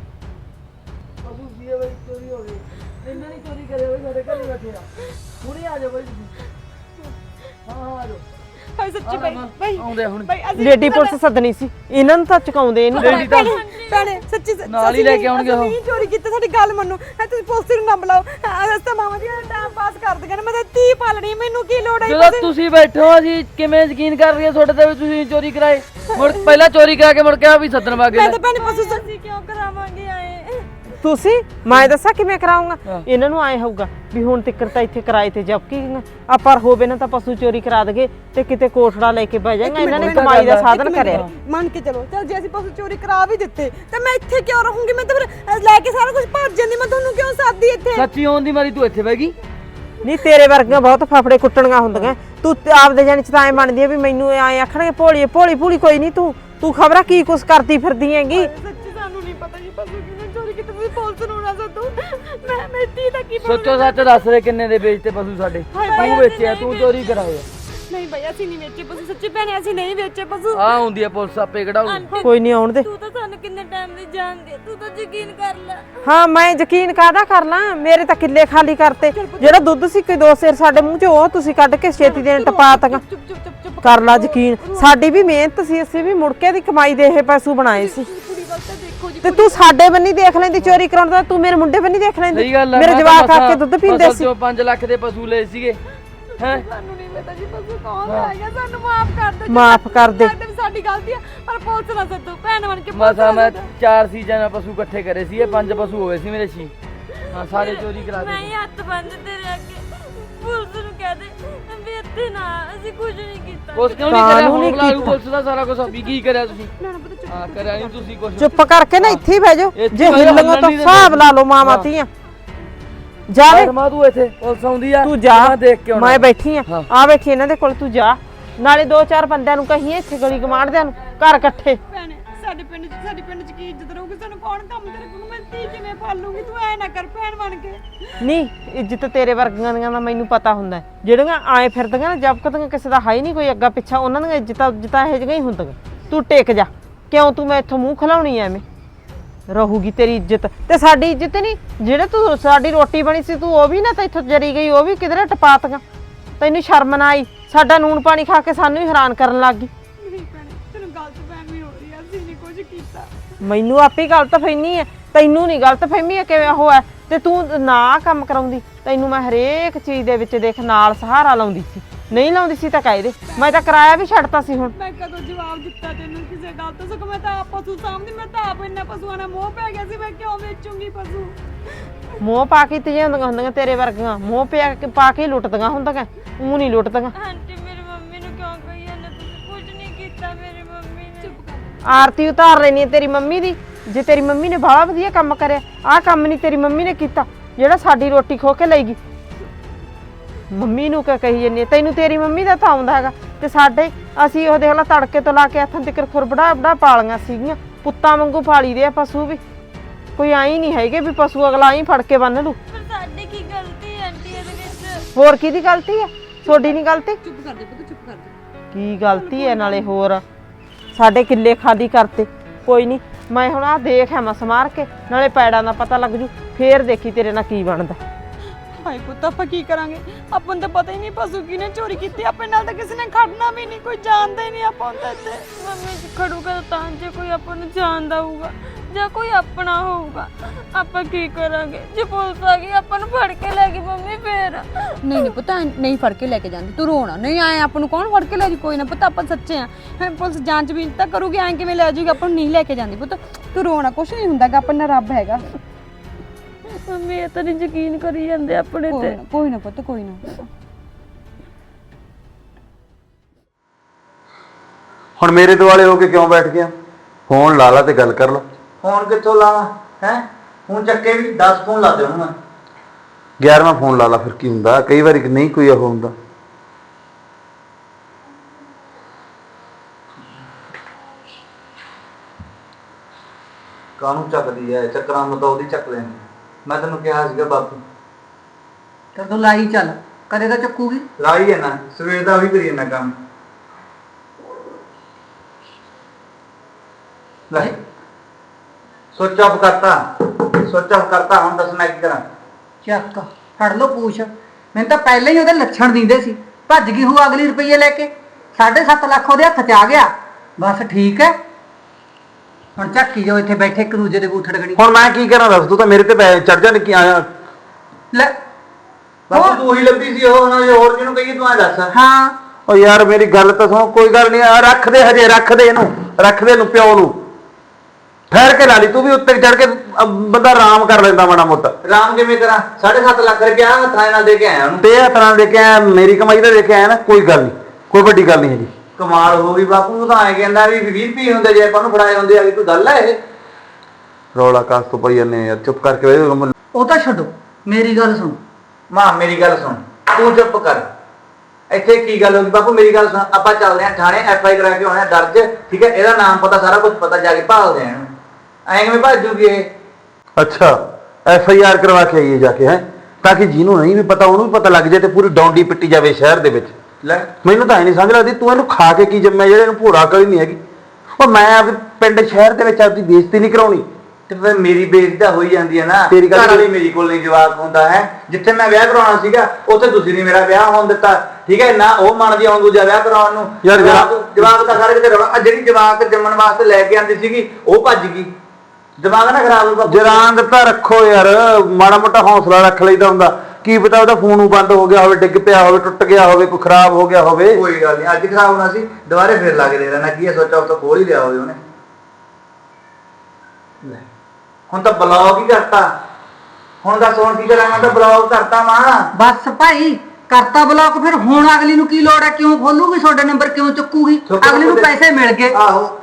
S3: ਪਸ਼ੂ ਸੀਗੇ ਬਾਈ, ਚੋਰੀ ਹੋ ਗਈ। ਇਹਨਾਂ ਨੇ ਚੋਰੀ ਕਰਿਆ ਬਾਈ, ਸਾਡੇ ਘਰੇ ਬੈਠੇ ਆ। ਹੁਣੇ ਆ ਜਾਓ ਬਾਈ ਤੁਸੀਂ। ਹਾਂ ਆ ਜਾਓ।
S1: ਹਾਏ ਸੱਚੀ ਬਾਈ
S3: ਆਉਂਦੇ ਆ ਹੁਣ।
S1: ਬਾਈ ਅਸੀਂ
S4: ਲੇਡੀ ਪੁਲਿਸ ਸੱਦਣੀ ਸੀ, ਇਹਨਾਂ ਨੂੰ ਤਾਂ ਚੁਕਾਉਂਦੇ ਨਹੀਂ।
S3: ਲੇਡੀ ਤਾਂ
S1: ਭੈਣੇ ਸੱਚੀ
S3: ਨਾਲ ਹੀ ਲੈ ਕੇ ਆਉਣਗੇ ਉਹ।
S1: ਨਹੀਂ ਚੋਰੀ ਕੀਤੀ, ਸਾਡੀ ਗੱਲ ਮੰਨੋ। ਤੁਸੀਂ ਪੁਲਿਸ ਨੂੰ ਨਾ ਬੁਲਾਓ। ਰਸਤਾ ਮਾਮਾ ਦੀ ਟਾਈਮ ਪਾਸ ਕਰ ਦੇਗਾ ਨਾ। ਮੈਂ ਤਾਂ 30 ਪਾਲਣੀ, ਮੈਨੂੰ ਕੀ ਲੋੜ ਹੈ?
S3: ਜਦੋਂ ਤੁਸੀਂ ਬੈਠੇ ਹੋ ਅਸੀਂ ਕਿਵੇਂ ਯਕੀਨ ਕਰ ਰਹੀ ਹਾਂ ਤੁਹਾਡੇ ਤੇ ਵੀ ਤੁਸੀਂ ਚੋਰੀ ਕਰਾਏ? ਮੁੜ ਪਹਿਲਾਂ ਚੋਰੀ ਕਰਾ ਕੇ ਮੁੜ ਕੇ ਆ ਵੀ ਸੱਦਣ ਵਾਗੇ।
S1: ਮੈਂ ਤਾਂ ਭੈਣੇ ਪਸ਼ੂ
S2: ਅਸੀਂ ਕਿਉਂ ਕਰਾਵਾਂਗੇ ਆਏ?
S4: ਤੁਸੀਂ ਮੈਂ ਦੱਸਾਂ ਕਿਵੇਂ ਕਰਾਉਂਗਾ?
S3: ਹਾਂ।
S4: ਇਹਨਾਂ ਨੂੰ ਆਏ ਹੋਊਗਾ ਵੀ ਹੁਣ ਤਿੱਕਰ ਤਾਂ ਇੱਥੇ ਕਿਰਾਏ ਤੇ ਜਬਕੀ ਆ, ਪਰ ਹੋਵੇ ਨਾ ਤਾਂ ਪਸ਼ੂ ਚੋਰੀ ਕਰਾ ਦਗੇ ਤੇ ਕਿਤੇ ਕੋਠੜਾ ਲੈ ਕੇ ਬਹਿ ਜਾਏਗਾ। ਇਹਨਾਂ ਨੇ ਕਮਾਈ ਦਾ ਸਾਧਨ ਕਰਿਆ।
S1: ਮੰਨ ਕੇ ਚਲੋ, ਚਲ ਜੇ ਅਸੀਂ ਪਸ਼ੂ ਚੋਰੀ ਕਰਾ ਵੀ ਦਿੱਤੇ ਤਾਂ ਮੈਂ ਇੱਥੇ ਕਿਉਂ ਰਹੂੰਗੀ? ਮੈਂ ਤਾਂ ਫਿਰ ਲੈ ਕੇ ਸਾਰਾ ਕੁਝ ਭੱਜ ਜਾਂਦੀ। ਮੈਂ ਤੁਹਾਨੂੰ ਕਿਉਂ ਸਾਦੀ ਇੱਥੇ?
S3: ਸੱਚੀ ਹੋਣ ਦੀ ਮਾਰੀ ਤੂੰ ਇੱਥੇ ਬਹਿ ਗਈ।
S4: ਨਹੀਂ ਤੇਰੇ ਵਰਗੀਆਂ ਬਹੁਤ ਫਫੜੇ ਕੁੱਟਣੀਆਂ ਹੁੰਦੀਆਂ। ਤੂੰ ਆਪਦੇ ਜਾਨੀ ਚ ਤਾਂ ਐ ਮੰਨਦੀ ਆ ਵੀ ਮੈਨੂੰ ਐ ਆਖਣਗੇ ਭੋਲੀ ਭੋਲੀ ਕੋਈ ਨਹੀਂ। ਤੂੰ ਖਬਰਾਂ ਕੀ ਕੁਛ ਕਰਦੀ ਫਿਰਦੀ ਹੈਗੀ।
S1: ਸੱਚੀ ਸਾਨੂੰ ਨਹੀਂ ਪਤਾ ਜੀ ਪਸ਼ੂ ਕਿਹਨੇ ਚੋਰੀ ਕੀਤੇ। ਤੁਸੀਂ ਪੁਲਿਸ ਨੂੰ ਨਾ ਸੱਦੋ। ਮੈਂ ਮੇਰੀ ਦਾ ਕੀ
S3: ਸੱਚੋ ਸੱਚ ਦੱਸ ਦੇ ਕਿੰਨੇ ਦੇ ਵੇਚਤੇ ਪਸ਼ੂ ਸਾਡੇ? ਤੂੰ ਵੇਚਿਆ, ਤੂੰ ਚੋਰੀ ਕਰਾਇਆ।
S1: ਨਹੀਂ ਭਾਈ ਅਸੀਂ ਨਹੀਂ ਵੇਚੇ ਪਸ਼ੂ। ਸੱਚੀ ਭੈਣੇ ਅਸੀਂ ਨਹੀਂ ਵੇਚੇ ਪਸ਼ੂ।
S3: ਆ ਹੁੰਦੀ ਆ ਪੁਲਿਸ ਆਪੇ ਕਢਾਊ।
S4: ਕੋਈ ਨਹੀਂ ਆਉਣ ਦੇ।
S2: ਤੂੰ ਤਾਂ ਸਾਨੂੰ ਕਿੰਨੇ ਟਾਈਮ ਦੀ ਜਾਣਦੀ ਆ, ਤੂੰ ਤਾਂ ਯਕੀਨ ਕਰ ਲੈ।
S4: ਹਾਂ ਮੈਂ ਯਕੀਨ ਕਾਹਦਾ ਕਰ ਲਾਂ? ਮੇਰੇ ਤਾਂ ਕਿੱਲੇ ਖਾਲੀ ਕਰਤੇ। ਜਿਹੜਾ ਦੁੱਧ ਸੀ ਕੋਈ 2 ਸੇਰ ਸਾਡੇ ਮੂੰਹ 'ਚ ਉਹ ਤੁਸੀਂ ਕੱਢ ਕੇ ਛੇਤੀ ਦੇਣ ਟਪਾ ਤੀਆਂ।
S1: ਚੁੱਪ
S4: ਕਰ ਲਾ ਯਕੀਨ। ਸਾਡੀ ਵੀ ਮਿਹਨਤ ਸੀ, ਅਸੀਂ ਵੀ ਮੁੜਕੇ ਦੀ ਕਮਾਈ ਦੇ ਇਹ ਪਸ਼ੂ ਬਣਾਏ ਸੀ।
S1: ਕੁੜੀ ਵੱਲ ਤਾਂ ਦੇਖੋ ਜੀ।
S4: ਤੇ ਤੂੰ ਸਾਡੇ ਬੰਨੀ ਦੇਖ ਲੈਂਦੀ ਚੋਰੀ ਕਰਾਉਣ ਦਾ, ਤੂੰ ਮੇਰੇ ਮੁੰਡੇ ਬੰਨੀ ਦੇਖ ਲੈਂਦੀ।
S3: ਸਹੀ ਗੱਲ ਆ।
S4: ਮੇਰੇ ਜਵਾਕ ਆ ਕੇ ਦੁੱਧ ਪੀਂਦੇ ਸੀ।
S3: 5 ਲੱਖ ਦੇ ਪਸ਼ੂ ਲਏ ਸੀਗੇ। ਹੈ
S1: ਸਾਨੂੰ ਨਹੀਂ ਪਤਾ ਜੀ ਪਸ਼ੂ ਕੌਣ ਲੈ ਗਿਆ। ਸਾਨੂੰ ਮਾਫ ਕਰ ਦਿਓ।
S4: ਮਾਫ ਕਰ ਦੇ।
S1: ਸਾਡੀ ਗਲਤੀ ਆ, ਪਰ ਪੁਲਿਸ ਨਾ ਸੱਦੋ। ਭੈਣ ਬਣ ਕੇ
S3: ਮਸਾ ਮੈਂ 4 ਸੀਜ਼ਾਂ ਪਸ਼ੂ ਇਕੱਠੇ ਕਰੇ ਸੀ। ਇਹ 5 ਪਸ਼ੂ ਹੋਏ ਸੀ ਮੇਰੇ 6। ਹਾਂ ਸਾਰੇ ਚੋਰੀ ਕਰਾ
S2: ਮੈਂ
S3: ਦਿੱਤੇ।
S2: ਹੀ ਹੱਥ ਬੰਨ ਤੇਰੇ ਅੱਗੇ। ਪੁਲਿਸ ਨੂੰ ਕਹਿ ਦੇ ਵੀ ਇੱਥੇ ਨਾ, ਅਸੀਂ ਕੁਝ ਨਹੀਂ ਕੀਤਾ।
S3: ਉਸ ਕਿਉਂ ਨਹੀਂ ਕਰਿਆ?
S4: ਕਾਨੂੰਨੀ
S3: ਹੁਣ ਬੁਲਾ ਲੂ
S4: ਕੀਤਾ।
S3: ਪੁਲਿਸ ਦਾ ਸਾਰਾ ਕੁਝ। ਵੀ ਕੀ ਕਰਿਆ ਤੁਸੀਂ? ਹਾਂ ਕਰਿਆ ਨਹੀਂ ਤੁਸੀਂ ਕੁਝ।
S4: ਚੁੱਪ ਕਰਕੇ ਨਾ ਇੱਥੇ ਹੀ ਬਹਿ ਜਾਓ।
S3: ਇੱਥੇ
S4: ਜੇ
S3: ਬਹਿ ਜਾਓ,
S4: ਹਿੱਲਣੋਂ ਤਾਂ
S3: ਹਿੱਲਣ ਨਹੀਂ
S4: ਹਿਸਾਬ ਲਾ ਲਓ ਮਾਂ
S3: ਹਾਂ।
S4: ਮਾਤੀਆਂ। ਜਾਵੇ
S3: ਮਾਂ ਤੂੰ ਇੱਥੇ ਪੁਲਿਸ ਆਉਂਦੀ ਆ।
S4: ਤੂੰ ਜਾ।
S3: ਮੈਂ ਦੇਖ ਕੇ ਆਉਣਾ।
S4: ਮੈਂ ਬੈਠੀ ਆ
S3: ਹਾਂ।
S4: ਆ ਬੈਠੀ ਇਹਨਾਂ ਦੇ ਕੋਲ। ਤੂੰ ਜਾ ਨਾਲੇ 2-4 ਬੰਦਿਆਂ ਨੂੰ ਕਹੀਏ ਇੱਥੇ ਗਲੀ ਗਮਾਂਢਦਿਆਂ ਨੂੰ ਘਰ ਇਕੱਠੇ।
S1: ਭੈਣੇ ਸਾਡੇ ਪਿੰਡ 'ਚ ਕੀ ਇੱਜ਼ਤ ਰਹੂਗੀ? ਸਾਨੂੰ ਕੌਣ ਕੰਮ ਤੇ ਰੱਖੂਗਾ? ਮੈਂ ਧੀ ਕਿਵੇਂ ਪਾਲੂਗੀ? ਤੂੰ ਐ ਨਾ ਕਰ ਭੈਣ ਬਣ ਕੇ।
S4: ਨਹੀਂ ਇੱਜ਼ਤ ਤੇਰੇ ਵਰਗੀਆਂ ਦੀਆਂ ਦਾ ਮੈਨੂੰ ਪਤਾ ਹੁੰਦਾ ਜਿਹੜੀਆਂ ਆਏ ਫਿਰਦੀਆਂ ਨਾ ਜਬਕਦੀਆਂ ਕਿਸੇ ਦਾ ਹੈ ਹੀ ਨਹੀਂ ਕੋਈ ਅੱਗਾ ਪਿੱਛਾ, ਉਹਨਾਂ ਦੀਆਂ ਇੱਜ਼ਤਾਂ ਇਹੋ ਜਿਹੀਆਂ ਹੀ ਹੁੰਦੀਆਂ। ਤੂੰ ਟਿਕ ਜਾ, ਕਿਉਂ ਤੂੰ ਮੈਂ ਇੱਥੋਂ ਮੂੰਹ ਖਲਾਉਣੀ ਐਵੇਂ? ਰਹੂਗੀ ਤੇਰੀ ਇੱਜ਼ਤ ਤੇ ਸਾਡੀ ਇੱਜ਼ਤ ਨਹੀਂ। ਜਿਹੜੇ ਤੂੰ ਸਾਡੀ ਰੋਟੀ ਬਣੀ ਸੀ ਤੂੰ ਉਹ ਵੀ ਨਾ ਤਾਂ ਇੱਥੋਂ ਜਰੀ ਗਈ, ਉਹ ਵੀ ਕਿਧਰੇ ਟਪਾਤੀਆਂ। ਤੈਨੂੰ ਸ਼ਰਮ ਨਾ ਆਈ? ਸਾਡਾ ਨੂਣ ਪਾਣੀ ਖਾ ਕੇ ਸਾਨੂੰ ਹੀ ਹੈਰਾਨ ਕਰਨ ਲੱਗ ਗਈ।
S1: ਨਹੀਂ ਭੈਣੇ ਤੈਨੂੰ ਗਲਤਫਹਿਮੀ ਹੋ ਰਹੀ ਆ, ਅਸੀਂ ਨਹੀਂ ਕੁਝ ਕੀਤਾ।
S4: ਮੈਨੂੰ ਆਪੇ ਗਲਤਫਹਿਮੀ ਹੈ, ਤੈਨੂੰ ਨਹੀਂ ਗਲਤਫਹਿਮੀ ਹੈ ਕਿਵੇਂ ਉਹ ਹੈ? ਤੇ ਤੂੰ ਨਾ ਕੰਮ ਕਰਾਉਂਦੀ, ਤੈਨੂੰ ਮੈਂ ਹਰੇਕ ਚੀਜ਼ ਦੇ ਵਿੱਚ ਦੇਖ ਨਾਲ ਸਹਾਰਾ ਲਾਉਂਦੀ ਸੀ। ਨਹੀਂ ਲਾਉਂਦੀ ਸੀ ਤਾਂ ਕਹਿ ਦੇ, ਮੈਂ ਤਾਂ ਕਿਰਾਇਆ ਵੀ ਛੱਡਤਾ ਸੀ। ਹੁਣ
S1: ਮੈਂ ਕਦੋਂ ਜਵਾਬ ਦਿੱਤਾ ਤੈਨੂੰ ਕਿਸੇ ਗੱਲ ਤੋਂ? ਸਗੋਂ ਮੈਂ ਤਾਂ ਆਪ ਪਸ਼ੂ ਸਾਂਭਦੀ, ਮੈਂ ਤਾਂ ਆਪ ਇੰਨਾ ਪਸ਼ੂਆਂ ਨਾਲ ਮੋਹ ਪੈ ਗਿਆ ਸੀ, ਮੈਂ ਕਿਉਂ ਵੇਚੂੰਗੀ ਪਸ਼ੂ?
S4: ਮੋਹ ਪਾ ਕੇ ਤੀਆਂ ਹੁੰਦੀਆਂ ਤੇਰੇ ਵਰਗੀਆਂ, ਮੋਹ ਪਾ ਕੇ ਲੁੱਟਦੀਆਂ ਹੁੰਦੀਆਂ, ਊਂ ਨਹੀਂ ਲੁੱਟਦੀਆਂ।
S2: ਆਂਟੀ ਮੇਰੀ ਮੰਮੀ ਨੂੰ ਕਿਉਂ ਕਹੀ ਜਾਂਦੇ? ਤੁਸੀਂ ਕੁਝ ਨਹੀਂ ਕੀਤਾ ਮੇਰੀ ਮੰਮੀ ਨੇ।
S1: ਚੁੱਪ ਕਰ।
S4: ਆਰਤੀ ਉਤਾਰ ਲੈਣੀ ਹੈ ਤੇਰੀ ਮੰਮੀ ਦੀ। ਜੇ ਤੇਰੀ ਮੰਮੀ ਨੇ ਬਾਹਲਾ ਵਧੀਆ ਕੰਮ ਕਰਿਆ, ਆਹ ਕੰਮ ਨਹੀਂ ਤੇਰੀ ਮੰਮੀ ਨੇ ਕੀਤਾ ਜਿਹੜਾ ਸਾਡੀ ਰੋਟੀ ਖੋ ਕੇ ਲਈ ਗਈ। ਮੰਮੀ ਨੂੰ ਕਿਆ ਕਹੀ ਜੰਨੀ? ਤੈਨੂੰ ਤੇਰੀ ਮੰਮੀ ਦਾ ਤਾਂ ਆਉਂਦਾ ਹੈਗਾ ਤੇ ਸਾਡੇ ਅਸੀਂ ਉਹ ਦੇਖ ਲਾ ਤੜਕੇ ਤੋਂ ਲਾ ਕੇ ਹੱਥਾਂ ਤੱਕ ਖੁਰਬੜਾ ਪਾਲੀਆਂ ਸੀਗੀਆਂ, ਪੁੱਤਾਂ ਵਾਂਗੂ ਪਾਲੀ ਦੇ ਆ ਪਸ਼ੂ ਵੀ। ਕੋਈ ਆਈ ਨਹੀਂ ਹੈਗੇ ਵੀ ਪਸ਼ੂ ਅਗਲਾ ਆਈ ਫੜ ਕੇ ਬੰਨ ਲੂ।
S2: ਪਰ ਸਾਡੀ ਕੀ ਗਲਤੀ ਹੈ ਆਂਟੀ ਇਹਦੇ ਵਿੱਚ?
S4: ਹੋਰ ਕਿਹਦੀ ਗਲਤੀ ਹੈ? ਤੁਹਾਡੀ ਨਹੀਂ ਗਲਤੀ?
S1: ਚੁੱਪ ਕਰ ਦੇ ਪੁੱਤ, ਚੁੱਪ ਕਰ ਦੇ।
S4: ਕੀ ਗਲਤੀ ਹੈ? ਨਾਲੇ ਹੋਰ ਸਾਡੇ ਕਿੱਲੇ ਖਾਲੀ ਕਰਤੇ। ਕੋਈ ਨਹੀਂ ਮੈਂ ਹੁਣ ਆ ਦੇਖ ਆਵਾਂ ਸਮਾਰ ਕੇ, ਨਾਲੇ ਪੈੜਾਂ ਦਾ ਪਤਾ ਲੱਗ ਜੂ, ਫੇਰ ਦੇਖੀ ਤੇਰੇ ਨਾਲ ਕੀ ਬਣਦਾ।
S1: ਹਾਏ ਪੁੱਤ ਆਪਾਂ ਕੀ ਕਰਾਂਗੇ? ਆਪਾਂ ਨੂੰ ਤਾਂ ਪਤਾ ਹੀ ਨਹੀਂ ਪਸ਼ੂ ਕਿਹਨੇ ਚੋਰੀ ਕੀਤੀ। ਆਪਣੇ ਨਾਲ ਤਾਂ ਕਿਸੇ ਨੇ ਖੜਨਾ ਵੀ ਨਹੀਂ, ਕੋਈ ਜਾਣਦਾ ਹੀ ਨਹੀਂ ਆਪਾਂ ਨੂੰ ਤਾਂ ਇੱਥੇ।
S2: ਮੰਮੀ ਜੀ ਖੜੂਗਾ ਤਾਂ ਜੇ ਕੋਈ ਆਪਾਂ ਨੂੰ ਜਾਣਦਾ ਹੋਊਗਾ ਜਾਂ ਕੋਈ ਆਪਣਾ ਹੋਊਗਾ, ਆਪਾਂ ਕੀ ਕਰਾਂਗੇ? ਜੇ ਪੁਲਿਸ ਆ ਗਈ ਆਪਾਂ ਨੂੰ ਫੜ ਕੇ ਲੈ ਗਈ ਮੰਮੀ ਫੇਰ?
S1: ਨਹੀਂ ਪੁੱਤ ਨਹੀਂ ਫੜ ਕੇ ਲੈ ਕੇ ਜਾਂਦੀ, ਤੂੰ ਰੋਣਾ ਨਹੀਂ। ਆਏ ਆਪਾਂ ਨੂੰ ਕੌਣ ਫੜ ਕੇ ਲੈ ਜੀ? ਕੋਈ ਨਾ ਪੁੱਤ ਆਪਾਂ ਸੱਚੇ ਆ। ਪੁਲਿਸ ਜਾਂਚ ਵੀ ਤਾਂ ਕਰੂਗੀ, ਐਂ ਕਿਵੇਂ ਲੈ ਜਾਊਗੀ? ਆਪਾਂ ਨੂੰ ਨਹੀਂ ਲੈ ਕੇ ਜਾਂਦੀ ਪੁੱਤ, ਤੂੰ ਰੋਣਾ। ਕੁਛ ਨਹੀਂ ਹੁੰਦਾਗਾ, ਆਪਣਾ ਰੱਬ ਹੈਗਾ।
S2: ਮੰਮੀ ਇਹ ਤਾਂ ਨਹੀਂ ਯਕੀਨ ਕਰੀ ਜਾਂਦੇ ਆਪਣੇ ਤੇ।
S1: ਕੋਈ ਨਾ ਪੁੱਤ, ਕੋਈ ਨਾ।
S5: ਹੁਣ ਮੇਰੇ ਦੁਆਲੇ ਹੋ ਕੇ ਕਿਉਂ ਬੈਠ ਗਿਆ? ਫੋਨ ਲਾ ਲਾ ਤੇ ਗੱਲ ਕਰ ਲਾ।
S3: ਫੋਨ ਕਿੱਥੋਂ ਲਾਵਾਂ ਹੈ? ਹੁਣ ਚੱਕੇ ਵੀ 10 ਫੋਨ ਲਾ ਦੇ ਹੁਣ ਮੈਂ।
S5: 11ਵਾਂ ਫੋਨ ਲਾ ਲਾ, ਫਿਰ ਕੀ ਹੁੰਦਾ? ਕਈ ਵਾਰੀ ਨਹੀਂ ਕੋਈ ਉਹ ਹੁੰਦਾ।
S3: ਕਾਹਨੂੰ ਚੱਕਦੀ ਐ? ਚੱਕਰਾਂ ਨੂੰ ਤਾਂ ਉਹਦੀ ਚੱਕ ਲੈਣੀ। ਮੈਂ ਤੈਨੂੰ ਕਿਹਾ ਸੀਗਾ ਬਾਪੂ
S6: ਤੇ ਤੂੰ ਲਾਈ ਚੱਲ, ਕਦੇ ਤਾਂ ਚੱਕੂਗੀ।
S3: ਲਾਈ ਹੈ ਨਾ, ਸਵੇਰ ਦਾ ਵੀ ਕਰੀ ਨਾ ਕੰਮ। ਲੈ ਸੋਚ ਆਪ ਕਰਤਾ ਹੁਣ ਦੱਸ ਮੈਂ ਕੀ ਕਰਾਂ?
S6: ਚੱਕ ਫੜ ਲੋ ਪੂਛ। ਮੈਨੂੰ ਤਾਂ ਪਹਿਲਾਂ ਹੀ ਉਹਦੇ ਲੱਛਣ ਦਿੰਦੇ ਸੀ। ਭੱਜ ਗਈ ਹੋ ਅਗਲੀ ਰੁਪਈਏ ਲੈ ਕੇ। 7.5 ਲੱਖ ਉਹਦੇ ਹੱਥ 'ਚ ਆ ਗਿਆ। ਬਸ ਠੀਕ ਹੈ, ਹੁਣ ਝੱਕੀ ਜਾਓ ਇੱਥੇ ਬੈਠੇ ਇੱਕ ਦੂਜੇ ਦੇ ਬੂਥ ਡਗਣੀ।
S5: ਹੁਣ ਮੈਂ ਕੀ ਕਰਾਂ ਦੱਸ? ਤੂੰ ਤਾਂ ਮੇਰੇ ਤੇ ਚੜ ਜਾ ਕਿ ਆਇਆ।
S6: ਲੈ
S3: ਬਾਪੂ ਤੂੰ ਉਹੀ ਲੱਭੀ ਸੀ ਉਹ ਨਾ, ਹੋਰ ਕਿਹਨੂੰ ਕਹੀਏ ਤੂੰ ਆ ਦੱਸ।
S6: ਹਾਂ
S5: ਓ ਯਾਰ ਮੇਰੀ ਗੱਲ ਤਾਂ ਸੁਣ, ਕੋਈ ਗੱਲ ਨਹੀਂ, ਰੱਖ ਦੇ ਹਜੇ, ਰੱਖ ਦੇ ਇਹਨੂੰ ਪਿਓ ਨੂੰ। ਠਹਿਰ ਕੇ ਲਾ ਲਈ ਤੂੰ ਵੀ, ਉੱਤੇ ਚੜ ਕੇ ਬੰਦਾ ਆਰਾਮ ਕਰ ਲੈਂਦਾ ਮਾੜਾ ਮੋਟਾ।
S3: ਆਰਾਮ ਕਿਵੇਂ ਕਰਾਂ? 7.5 ਲੱਖ ਰੁਪਇਆ ਹੱਥਾਂ ਨਾਲ ਦੇ ਕੇ ਆਇਆ ਉਹਨੂੰ।
S5: ਤੇ ਇਹ ਤਰ੍ਹਾਂ ਦੇ ਕੇ ਆਇਆ, ਮੇਰੀ ਕਮਾਈ ਦਾ ਦੇ ਕੇ ਆਇਆ ਨਾ। ਕੋਈ ਗੱਲ ਨਹੀਂ, ਕੋਈ ਵੱਡੀ ਗੱਲ ਨਹੀਂ ਹੈਗੀ।
S3: ਕਮਾਲ ਹੋ ਗਈ ਬਾਪੂ, ਨੂੰ ਤਾਂ ਐ ਕਹਿੰਦਾ ਵੀ 20 ਰੁਪਏ ਹੁੰਦੇ ਜੇ ਆਪਾਂ ਨੂੰ ਫੜਾਏ ਹੁੰਦੇ ਆ। ਕੋਈ ਗੱਲ ਹੈ ਇਹ?
S5: ਰੌਲਾ ਕਾਸ ਤੋਂ ਪਈ ਜਾਂਦੇ ਯਾਰ, ਚੁੱਪ ਕਰਕੇ ਬਹਿ।
S6: ਉਹ ਤਾਂ ਛੱਡੋ, ਮੇਰੀ ਗੱਲ ਸੁਣ।
S3: ਮਾਂ ਮੇਰੀ ਗੱਲ ਸੁਣ, ਤੂੰ ਚੁੱਪ ਕਰ। ਇੱਥੇ ਕੀ ਗੱਲ ਹੋ ਗਈ ਬਾਪੂ? ਮੇਰੀ ਗੱਲ ਸੁਣ, ਆਪਾਂ ਚੱਲਦੇ ਆਂ ਥਾਣੇ, FI ਕਰਾ ਕੇ ਆਉਣਾ ਦਰਜ, ਠੀਕ ਹੈ? ਇਹਦਾ ਨਾਮ ਪਤਾ ਸਾਰਾ ਕੁਝ ਪਤਾ, ਜਾ ਕੇ ਭਾਲਦੇ ਆਂ ਇਹਨੂੰ। ਐਂ ਕਿਵੇਂ ਭੱਜੂਗੀ ਇਹ?
S5: ਅੱਛਾ FIR ਕਰਵਾ ਕੇ ਆਈਏ ਜਾ ਕੇ, ਹੈ ਤਾਂ ਕਿ ਜਿਹਨੂੰ ਨਹੀਂ ਵੀ ਪਤਾ ਉਹਨੂੰ ਵੀ ਪਤਾ ਲੱਗ ਜਾਏ ਤੇ ਪੂਰੀ ਡੌਂਡੀ ਪਿੱਟੀ ਜਾਵੇ ਸ਼ਹਿਰ ਦੇ ਵਿੱਚ।
S3: ਲੈ
S5: ਮੈਨੂੰ ਤਾਂ ਇਹ ਨਹੀਂ ਸਮਝ ਲੱਗਦੀ ਤੂੰ ਇਹਨੂੰ ਖਾ ਕੇ ਕੀ ਜੰਮਿਆ ਜਿਹੜੇ ਇਹਨੂੰ ਭੋਰਾ ਕਲੀ ਨਹੀਂ ਹੈਗੀ। ਉਹ ਮੈਂ ਆਪਦੇ ਪਿੰਡ ਸ਼ਹਿਰ ਦੇ ਵਿੱਚ ਆਪਦੀ ਬੇਇੱਜ਼ਤੀ ਨਹੀਂ ਕਰਾਉਣੀ।
S3: ਤੇ ਫਿਰ ਮੇਰੀ ਬੇਇੱਜ਼ਤੀ ਤਾਂ ਹੋਈ ਜਾਂਦੀ ਹੈ ਨਾ।
S5: ਤੇਰੀ ਗੱਲ
S3: ਘਰ ਵਾਲੀ ਮੇਰੀ ਕੋਲ ਨਹੀਂ ਜਵਾਬ ਹੁੰਦਾ ਹੈ। ਜਿੱਥੇ ਮੈਂ ਵਿਆਹ ਕਰਾਉਣਾ ਸੀਗਾ ਉੱਥੇ ਤੁਸੀਂ ਨਹੀਂ ਮੇਰਾ ਵਿਆਹ ਹੋਣ ਦਿੱਤਾ, ਠੀਕ ਹੈ ਨਾ? ਉਹ ਮੰਨਦੀ ਆਉਂ ਦੂਜਾ ਵਿਆਹ ਕਰਾਉਣ ਨੂੰ।
S5: ਯਾਰ
S3: ਜਵਾਬ ਤਾਂ ਸਾਰੇ ਕਿਤੇ ਰੌਲਾ। ਜਿਹੜੀ ਜਵਾਕ ਜੰਮਣ ਵਾਸਤੇ ਲੈ ਕੇ ਆਂਦੀ ਸੀਗੀ ਉਹ ਭੱਜ ਗਈ। ਦਿਮਾਗ ਨਾ ਖਰਾਬ ਹੋ ਬਾਪੂ।
S5: ਜਰਾਂਦ ਤਾਂ ਰੱਖੋ ਯਾਰ, ਮਾੜਾ ਮੋਟਾ ਹੌਸਲਾ ਰੱਖ ਲਈਦਾ ਹੁੰਦਾ। ਕੀ ਪਤਾ ਉਹਦਾ ਫੋਨ ਬੰਦ ਹੋ ਗਿਆ ਹੋਵੇ, ਡਿੱਗ ਪਿਆ ਹੋਵੇ, ਟੁੱਟ ਗਿਆ ਹੋਵੇ, ਕੋਈ ਖਰਾਬ ਹੋ ਗਿਆ ਹੋਵੇ।
S3: ਕੋਈ ਗੱਲ ਨਹੀਂ, ਅੱਜ ਖਰਾਬ ਹੋਣਾ ਸੀ, ਦੁਬਾਰੇ ਫੇਰ ਲਾ ਕੇ ਦੇ ਦੇਣਾ। ਕੀ ਹੈ ਸੋਚਾ ਉਹ ਤਾਂ ਖੋਲ ਹੀ ਲਿਆ ਹੋਵੇ ਉਹਨੇ। ਲੈ ਹੁਣ ਤਾਂ ਬਲੌਗ ਹੀ ਕਰਤਾ। ਹੁਣ ਦੱਸ ਹੁਣ ਕੀ ਕਰਾਂ? ਮੈਂ ਤਾਂ ਬਲੌਗ ਕਰਤਾ ਮਾਂ।
S6: ਬਸ ਭਾਈ ਕਰਤਾ ਬਲੌਕ, ਫਿਰ ਹੁਣ ਅਗਲੀ ਨੂੰ ਕੀ ਲੋੜ ਹੈ? ਕਿਉਂ ਖੋਲੂਗੀ? ਤੁਹਾਡਾ ਨੰਬਰ ਕਿਉਂ ਚੱਕੂਗੀ? ਅਗਲੀ ਨੂੰ ਪੈਸੇ ਮਿਲ ਗਏ।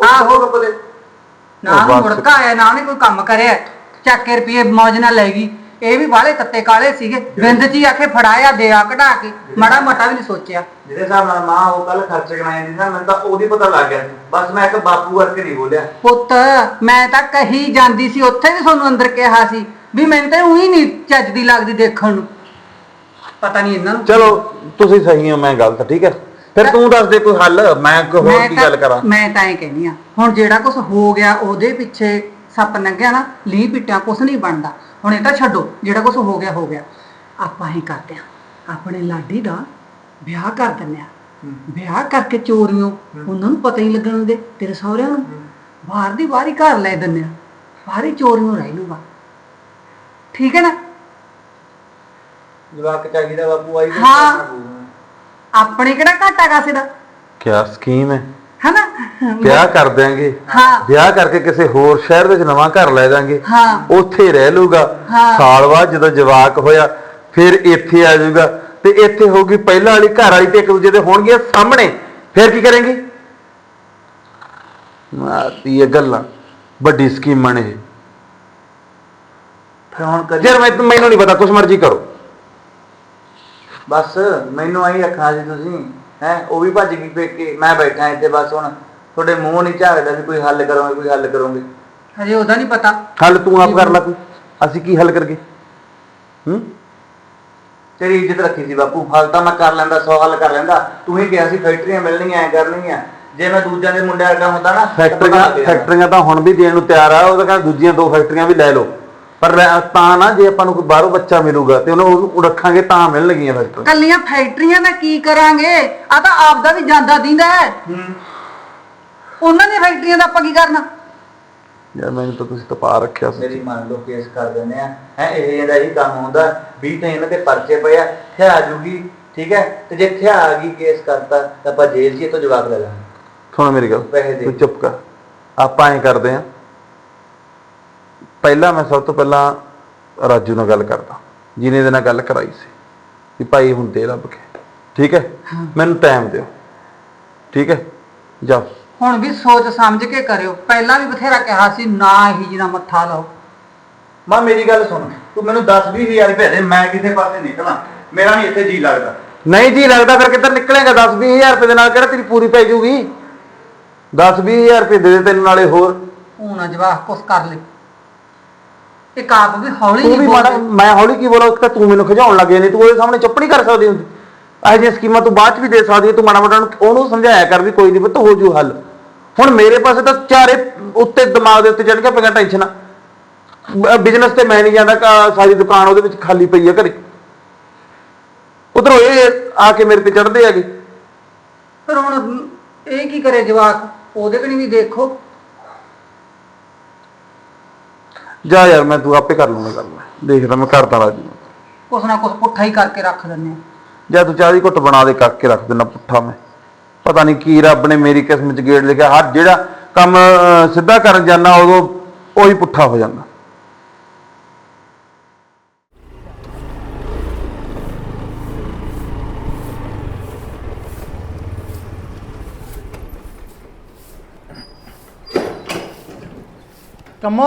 S3: ਆਹੋ
S6: ਨਾ ਮੁੜਕਾ ਆਇਆ, ਨਾ ਉਹਨੇ ਕੋਈ ਕੰਮ ਕਰਿਆ, ਚੱਕ ਕੇ ਰੁਪਏ ਮੌਜ ਨਾਲ ਲੈ ਗਈ। ਇਹ ਵੀ ਬਾਹਲੇ ਤੱਤੇ ਕਾਲੇ ਸੀਗੇ ਬਿੰਦ ਚ ਹੀ ਆਖੇ ਫੜਾਇਆ ਦਿਆ ਕਢਾ ਕੇ ਮਾੜਾ ਮੋਟਾ ਵੀ ਨਹੀਂ ਸੋਚਿਆ।
S3: ਜਿਹਦੇ ਹਿਸਾਬ ਨਾਲ ਮਾਂ ਉਹ ਕੱਲ ਖਰਚ ਕਮਾਈ ਜਾਂਦੀ ਨਾ ਮੈਨੂੰ ਤਾਂ ਉਹਦੀ ਪਤਾ ਲੱਗ ਗਿਆ ਸੀ। ਬਸ ਮੈਂ ਇੱਕ ਬਾਪੂ ਕਰਕੇ ਨਹੀਂ ਬੋਲਿਆ।
S6: ਪੁੱਤ ਮੈਂ ਤਾਂ ਕਹੀ ਜਾਂਦੀ ਸੀ ਉੱਥੇ ਵੀ ਤੁਹਾਨੂੰ ਅੰਦਰ ਕਿਹਾ ਸੀ ਵੀ ਮੈਨੂੰ ਤਾਂ ਉਹੀ ਨਹੀਂ ਚੱਜਦੀ ਲੱਗਦੀ ਦੇਖਣ ਨੂੰ। ਪਤਾ ਨਹੀਂ ਇਹਨਾਂ ਨੂੰ
S5: ਚਲੋ ਤੁਸੀਂ ਸਹੀ ਹੋ, ਮੈਂ ਗਲਤ, ਠੀਕ ਹੈ। ਫਿਰ ਤੂੰ ਦੱਸ ਦੇ ਕੋਈ ਹੱਲ, ਮੈਂ ਕੋਈ ਹੋਰ ਕੀ ਗੱਲ ਕਰਾਂ।
S6: ਮੈਂ ਤਾਂ ਇਹ ਕਹਿੰਦੀ ਆ ਹੁਣ ਜਿਹੜਾ ਕੁਝ ਹੋ ਗਿਆ ਉਹਦੇ ਪਿੱਛੇ ਸੱਪ ਲੰਘਿਆ ਨਾ ਲੀਹ ਪਿੱਟਿਆ ਕੁਝ ਨਹੀਂ ਬਣਦਾ। ਹੁਣ ਇਹ ਤਾਂ ਛੱਡੋ, ਜਿਹੜਾ ਕੁਝ ਹੋ ਗਿਆ ਹੋ ਗਿਆ। ਆਪਾਂ ਹੀ ਕਰਦੇ ਆ ਆਪਣੇ ਲਾਡੀ ਦਾ ਵਿਆਹ ਕਰ ਦਿੰਦੇ ਆ। ਵਿਆਹ ਕਰਕੇ ਚੋਰੀਆਂ ਉਹਨਾਂ ਨੂੰ ਪਤਾ ਹੀ ਲੱਗਣ ਦਿੰਦੇ ਤੇਰੇ ਸਹੁਰਿਆਂ ਨੂੰ। ਬਾਹਰ ਦੀ ਬਾਹਰ ਹੀ ਘਰ ਲੈ ਦਿੰਦੇ ਆ, ਬਾਹਰ ਹੀ ਚੋਰੀਆਂ ਰਹਿ ਲੂਗਾ। ਠੀਕ ਹੈ ਨਾ?
S3: ਜਵਾਕ ਚਾਹੀਦਾ ਬਾਪੂ ਆਈ
S6: ਹਾਂ। ਆਪਣੇ ਕਿਹੜਾ ਘਾਟਾ ਕਾਸੇ ਦਾ
S5: ਕਿਆ ਸਕੀਮ ਹੈ?
S6: ਹਨਾ?
S5: ਵਿਆਹ ਕਰ ਦਿਆਂਗੇ,
S6: ਹਾਂ।
S5: ਵਿਆਹ ਕਰਕੇ ਕਿਸੇ ਹੋਰ ਸ਼ਹਿਰ ਵਿੱਚ ਨਵਾਂ ਘਰ ਲੈ ਜਾਾਂਗੇ,
S6: ਹਾਂ।
S5: ਉੱਥੇ ਰਹਿ ਲੂਗਾ।
S6: ਹਾਂ।
S5: ਸਾਲ ਬਾਅਦ ਜਦੋਂ ਜਵਾਕ ਹੋਇਆ ਫਿਰ ਇੱਥੇ ਆ ਜਾਊਗਾ ਤੇ ਇੱਥੇ ਹੋਊਗੀ ਪਹਿਲਾਂ ਵਾਲੀ ਘਰ ਵਾਲੀ ਤੇ ਇੱਕ ਦੂਜੇ ਦੇ ਹੋਣਗੇ ਸਾਹਮਣੇ। ਫਿਰ ਕੀ ਕਰਾਂਗੇ? ਮਾਰਦੀ ਇਹ ਗੱਲਾਂ ਵੱਡੀ ਸਕੀਮਾਂ ਨੇ ਇਹ।
S3: ਫਿਰ ਹੁਣ ਕਰੀ
S5: ਯਾਰ ਮੈਨੂੰ ਨਹੀਂ ਪਤਾ, ਕੁਛ ਮਰਜ਼ੀ ਕਰੋ।
S3: ਬਸ ਮੈਨੂੰ ਆਹੀ ਰੱਖਣਾ ਸੀ ਤੁਸੀਂ ਹੈ। ਉਹ ਵੀ ਭੱਜ ਗਈ ਪੇਕੇ, ਮੈਂ ਬੈਠਾ ਇੱਥੇ। ਬਸ ਹੁਣ ਤੁਹਾਡੇ ਮੂੰਹ ਨਹੀਂ ਝਾਕਦਾ ਵੀ ਕੋਈ ਹੱਲ ਕਰੋਗੇ, ਕੋਈ ਹੱਲ ਕਰੋਗੇ।
S6: ਹਜੇ ਉਹਦਾ ਨਹੀਂ ਪਤਾ।
S5: ਹੱਲ ਤੂੰ ਆਪ ਕਰ ਲੈ ਕੋਈ, ਅਸੀਂ ਕੀ ਹੱਲ ਕਰਗੇ?
S3: ਤੇਰੀ ਇੱਜ਼ਤ ਰੱਖੀ ਸੀ ਬਾਪੂ, ਹੱਲ ਤਾਂ ਮੈਂ ਕਰ ਲੈਂਦਾ, 100 ਹੱਲ ਕਰ ਲੈਂਦਾ। ਤੂੰ ਹੀ ਕਿਹਾ ਸੀ ਫੈਕਟਰੀਆਂ ਮਿਲਣੀਆਂ, ਐ ਕਰਨੀਆਂ। ਜੇ ਮੈਂ ਦੂਜਿਆਂ ਦੇ ਮੁੰਡਿਆਂ ਵਰਗਾ ਹੁੰਦਾ ਨਾ
S5: ਫੈਕਟਰੀਆਂ ਤਾਂ ਹੁਣ ਵੀ ਦੇਣ ਨੂੰ ਤਿਆਰ ਆ। ਉਹ ਤਾਂ ਕਹਿੰਦਾ ਦੂਜੀਆਂ 2 ਫੈਕਟਰੀਆਂ ਵੀ ਲੈ ਲਓ, ਪਰ ਤਾਂ ਨਾ ਜੇ ਆਪਾਂ ਨੂੰ ਕੋਈ ਬਾਹਰੋਂ ਬੱਚਾ ਮਿਲੂਗਾ ਤੇ ਉਹਨੂੰ ਰੱਖਾਂਗੇ ਤਾਂ ਮਿਲਣਗੀਆਂ ਫੈਕਟਰੀਆਂ।
S6: ਕੱਲੀਆਂ ਫੈਕਟਰੀਆਂ ਦਾ ਕੀ ਕਰਾਂਗੇ? ਆ ਤਾਂ ਆਪਦਾ ਵੀ ਜਾਂਦਾ ਦਿੰਦਾ ਹੈ। ਉਹਨਾਂ ਦੀਆਂ ਫੈਕਟਰੀਆਂ ਦਾ ਆਪਾਂ ਕੀ ਕਰਨਾ?
S5: ਯਾਰ ਮੈਨੂੰ ਤਾਂ ਤੁਸੀਂ ਤਪਾ ਰੱਖਿਆ ਸੀ।
S3: ਮੇਰੀ ਮੰਨ ਲਓ ਕੇਸ ਕਰ ਦਿੰਦੇ ਆ ਹੈ। ਇਹ ਇਹਦਾ ਹੀ ਕੰਮ ਹੁੰਦਾ ਵੀ ਤਾਂ ਇਹਨਾਂ ਤੇ ਪਰਚੇ ਪਏ ਆ, ਥਿਆ ਜੂਗੀ। ਠੀਕ ਹੈ, ਤੇ ਜੇ ਥਿਆ ਆ ਗਈ ਕੇਸ ਕਰਤਾ ਤਾਂ ਆਪਾਂ ਜੇਲ੍ਹ 'ਚ ਇਹ ਤੋਂ ਜਵਾਬ ਲੈ ਲਾਂਗੇ।
S5: ਸੁਣ ਮੇਰੀ ਗੱਲ,
S3: ਪੈਸੇ ਦੇ।
S5: ਤੂੰ ਚੁੱਪ ਕਰ। ਆਪਾਂ ਐਂ ਕਰਦੇ ਆਂ, ਪਹਿਲਾਂ ਮੈਂ ਸਭ ਤੋਂ ਪਹਿਲਾਂ ਰਾਜੂ ਨਾਲ ਗੱਲ ਕਰਦਾ, ਜਿਹਨੇ ਇਹਦੇ ਨਾਲ ਗੱਲ ਕਰਾਈ ਸੀ ਵੀ ਭਾਈ ਹੁਣ ਦੇ ਲੱਭ ਕੇ। ਠੀਕ ਹੈ, ਮੈਨੂੰ ਟਾਈਮ ਦਿਓ। ਠੀਕ ਹੈ, ਜਾ।
S6: ਹੁਣ ਵੀ ਸੋਚ ਸਮਝ ਕੇ ਕਰਿਓ। ਪਹਿਲਾਂ ਵੀ ਬਥੇਰਾ ਕਿਹਾ ਸੀ ਨਾ ਹੀ ਜਿਹਨਾਂ ਮੱਥਾ ਲਾਓ।
S3: ਮਾਂ ਮੇਰੀ ਗੱਲ ਸੁਣ, ਤੂੰ ਮੈਨੂੰ 10-20 ਹਜ਼ਾਰ ਰੁਪਏ ਦੇ, ਮੈਂ ਕਿਸੇ ਪਾਸੇ ਨਿਕਲਾਂ। ਮੇਰਾ ਨਹੀਂ ਇੱਥੇ ਜੀ ਲੱਗਦਾ।
S5: ਨਹੀਂ ਜੀ ਲੱਗਦਾ, ਫਿਰ ਕਿੱਧਰ ਨਿਕਲੇਗਾ? 10-20 ਹਜ਼ਾਰ ਰੁਪਏ ਦੇ ਨਾਲ ਕਿਹੜਾ ਤੇਰੀ ਪੂਰੀ ਪੈ ਜਾਊਗੀ? 10-20 ਹਜ਼ਾਰ ਰੁਪਏ ਦੇ ਦੇ ਤੈਨੂੰ, ਨਾਲੇ ਹੋਰ
S6: ਹੁਣ ਜਵਾਕ ਕੁਛ ਕਰ ਲੈ। ਇੱਕ ਆਪ ਵੀ ਹੌਲੀ
S5: ਤੂੰ ਵੀ
S6: ਨਹੀਂ
S5: ਮਾੜਾ।
S6: ਬੋਲਦੇ।
S5: ਮੈਂ ਹੌਲੀ ਕੀ ਬੋਲਾਂ? ਇੱਕ ਤਾਂ ਤੂੰ ਮੈਨੂੰ ਖਿਜਾਉਣ ਲੱਗ ਜਾਂਦੀ, ਤੂੰ ਉਹਦੇ ਸਾਹਮਣੇ ਚੁੱਪ ਨਹੀਂ ਕਰ ਸਕਦੀ ਹੁੰਦੀ। ਇਹੋ ਜਿਹੀਆਂ ਸਕੀਮਾਂ ਤੂੰ ਬਾਅਦ ਚ ਵੀ ਦੇ ਸਕਦੀ ਹੈ। ਤੂੰ ਮਾੜਾ ਮੋਟਾ ਉਹਨੂੰ ਸਮਝਾਇਆ ਕਰ ਵੀ ਕੋਈ ਨਹੀਂ ਪੁੱਤ, ਹੋ ਜੂ ਹੱਲ। ਹੁਣ ਮੇਰੇ ਪਾਸੇ ਤਾਂ ਚਾਰੇ ਉੱਤੇ ਦਿਮਾਗ ਦੇ ਉੱਤੇ ਚੜ ਕੇ ਪਿਆ ਟੈਨਸ਼ਨ। ਬਿਜ਼ਨਸ ਤੇ ਮੈਂ ਨਹੀਂ ਜਾਂਦਾ, ਸਾਰੀ ਦੁਕਾਨ ਉਹਦੇ ਵਿੱਚ ਖਾਲੀ ਪਈ ਆ ਘਰੇ। ਉਧਰੋਂ ਇਹ ਆ ਕੇ ਮੇਰੇ ਤੇ ਚੜਦੇ ਹੈਗੇ।
S6: ਫਿਰ ਹੁਣ ਇਹ ਕੀ ਕਰੇ ਜਵਾਕ? ਉਹਦੇ ਕਣੀ ਵੀ ਦੇਖੋ।
S5: ਜਾ ਯਾਰ, ਮੈਂ ਤੂੰ ਆਪੇ ਕਰ ਲੂੰਗਾ ਗੱਲ। ਮੈਂ ਦੇਖਦਾ, ਮੈਂ ਕਰਦਾ ਰਾਜੂ।
S6: ਕੁਛ ਨਾ ਕੁਛ ਪੁੱਠਾ ਹੀ ਕਰਕੇ ਰੱਖ ਦਿੰਦੇ ਆ।
S5: ਜਾਂ ਤੂੰ ਚਾਹ ਦੀ ਘੁੱਟ ਬਣਾ ਦੇ, ਕਰਕੇ ਰੱਖ ਦੇਣਾ ਪੁੱਠਾ। ਮੈਂ ਪਤਾ ਨਹੀਂ ਕੀ ਰੱਬ ਨੇ ਮੇਰੀ ਕਿਸਮਤ 'ਚ ਗੇੜ ਲਿਖਿਆ। ਹਰ ਜਿਹੜਾ ਕੰਮ ਸਿੱਧਾ ਕਰਨ ਜਾਂਦਾ ਉਦੋਂ ਉਹੀ ਪੁੱਠਾ ਹੋ ਜਾਂਦਾ।
S7: ਕੰਮੋ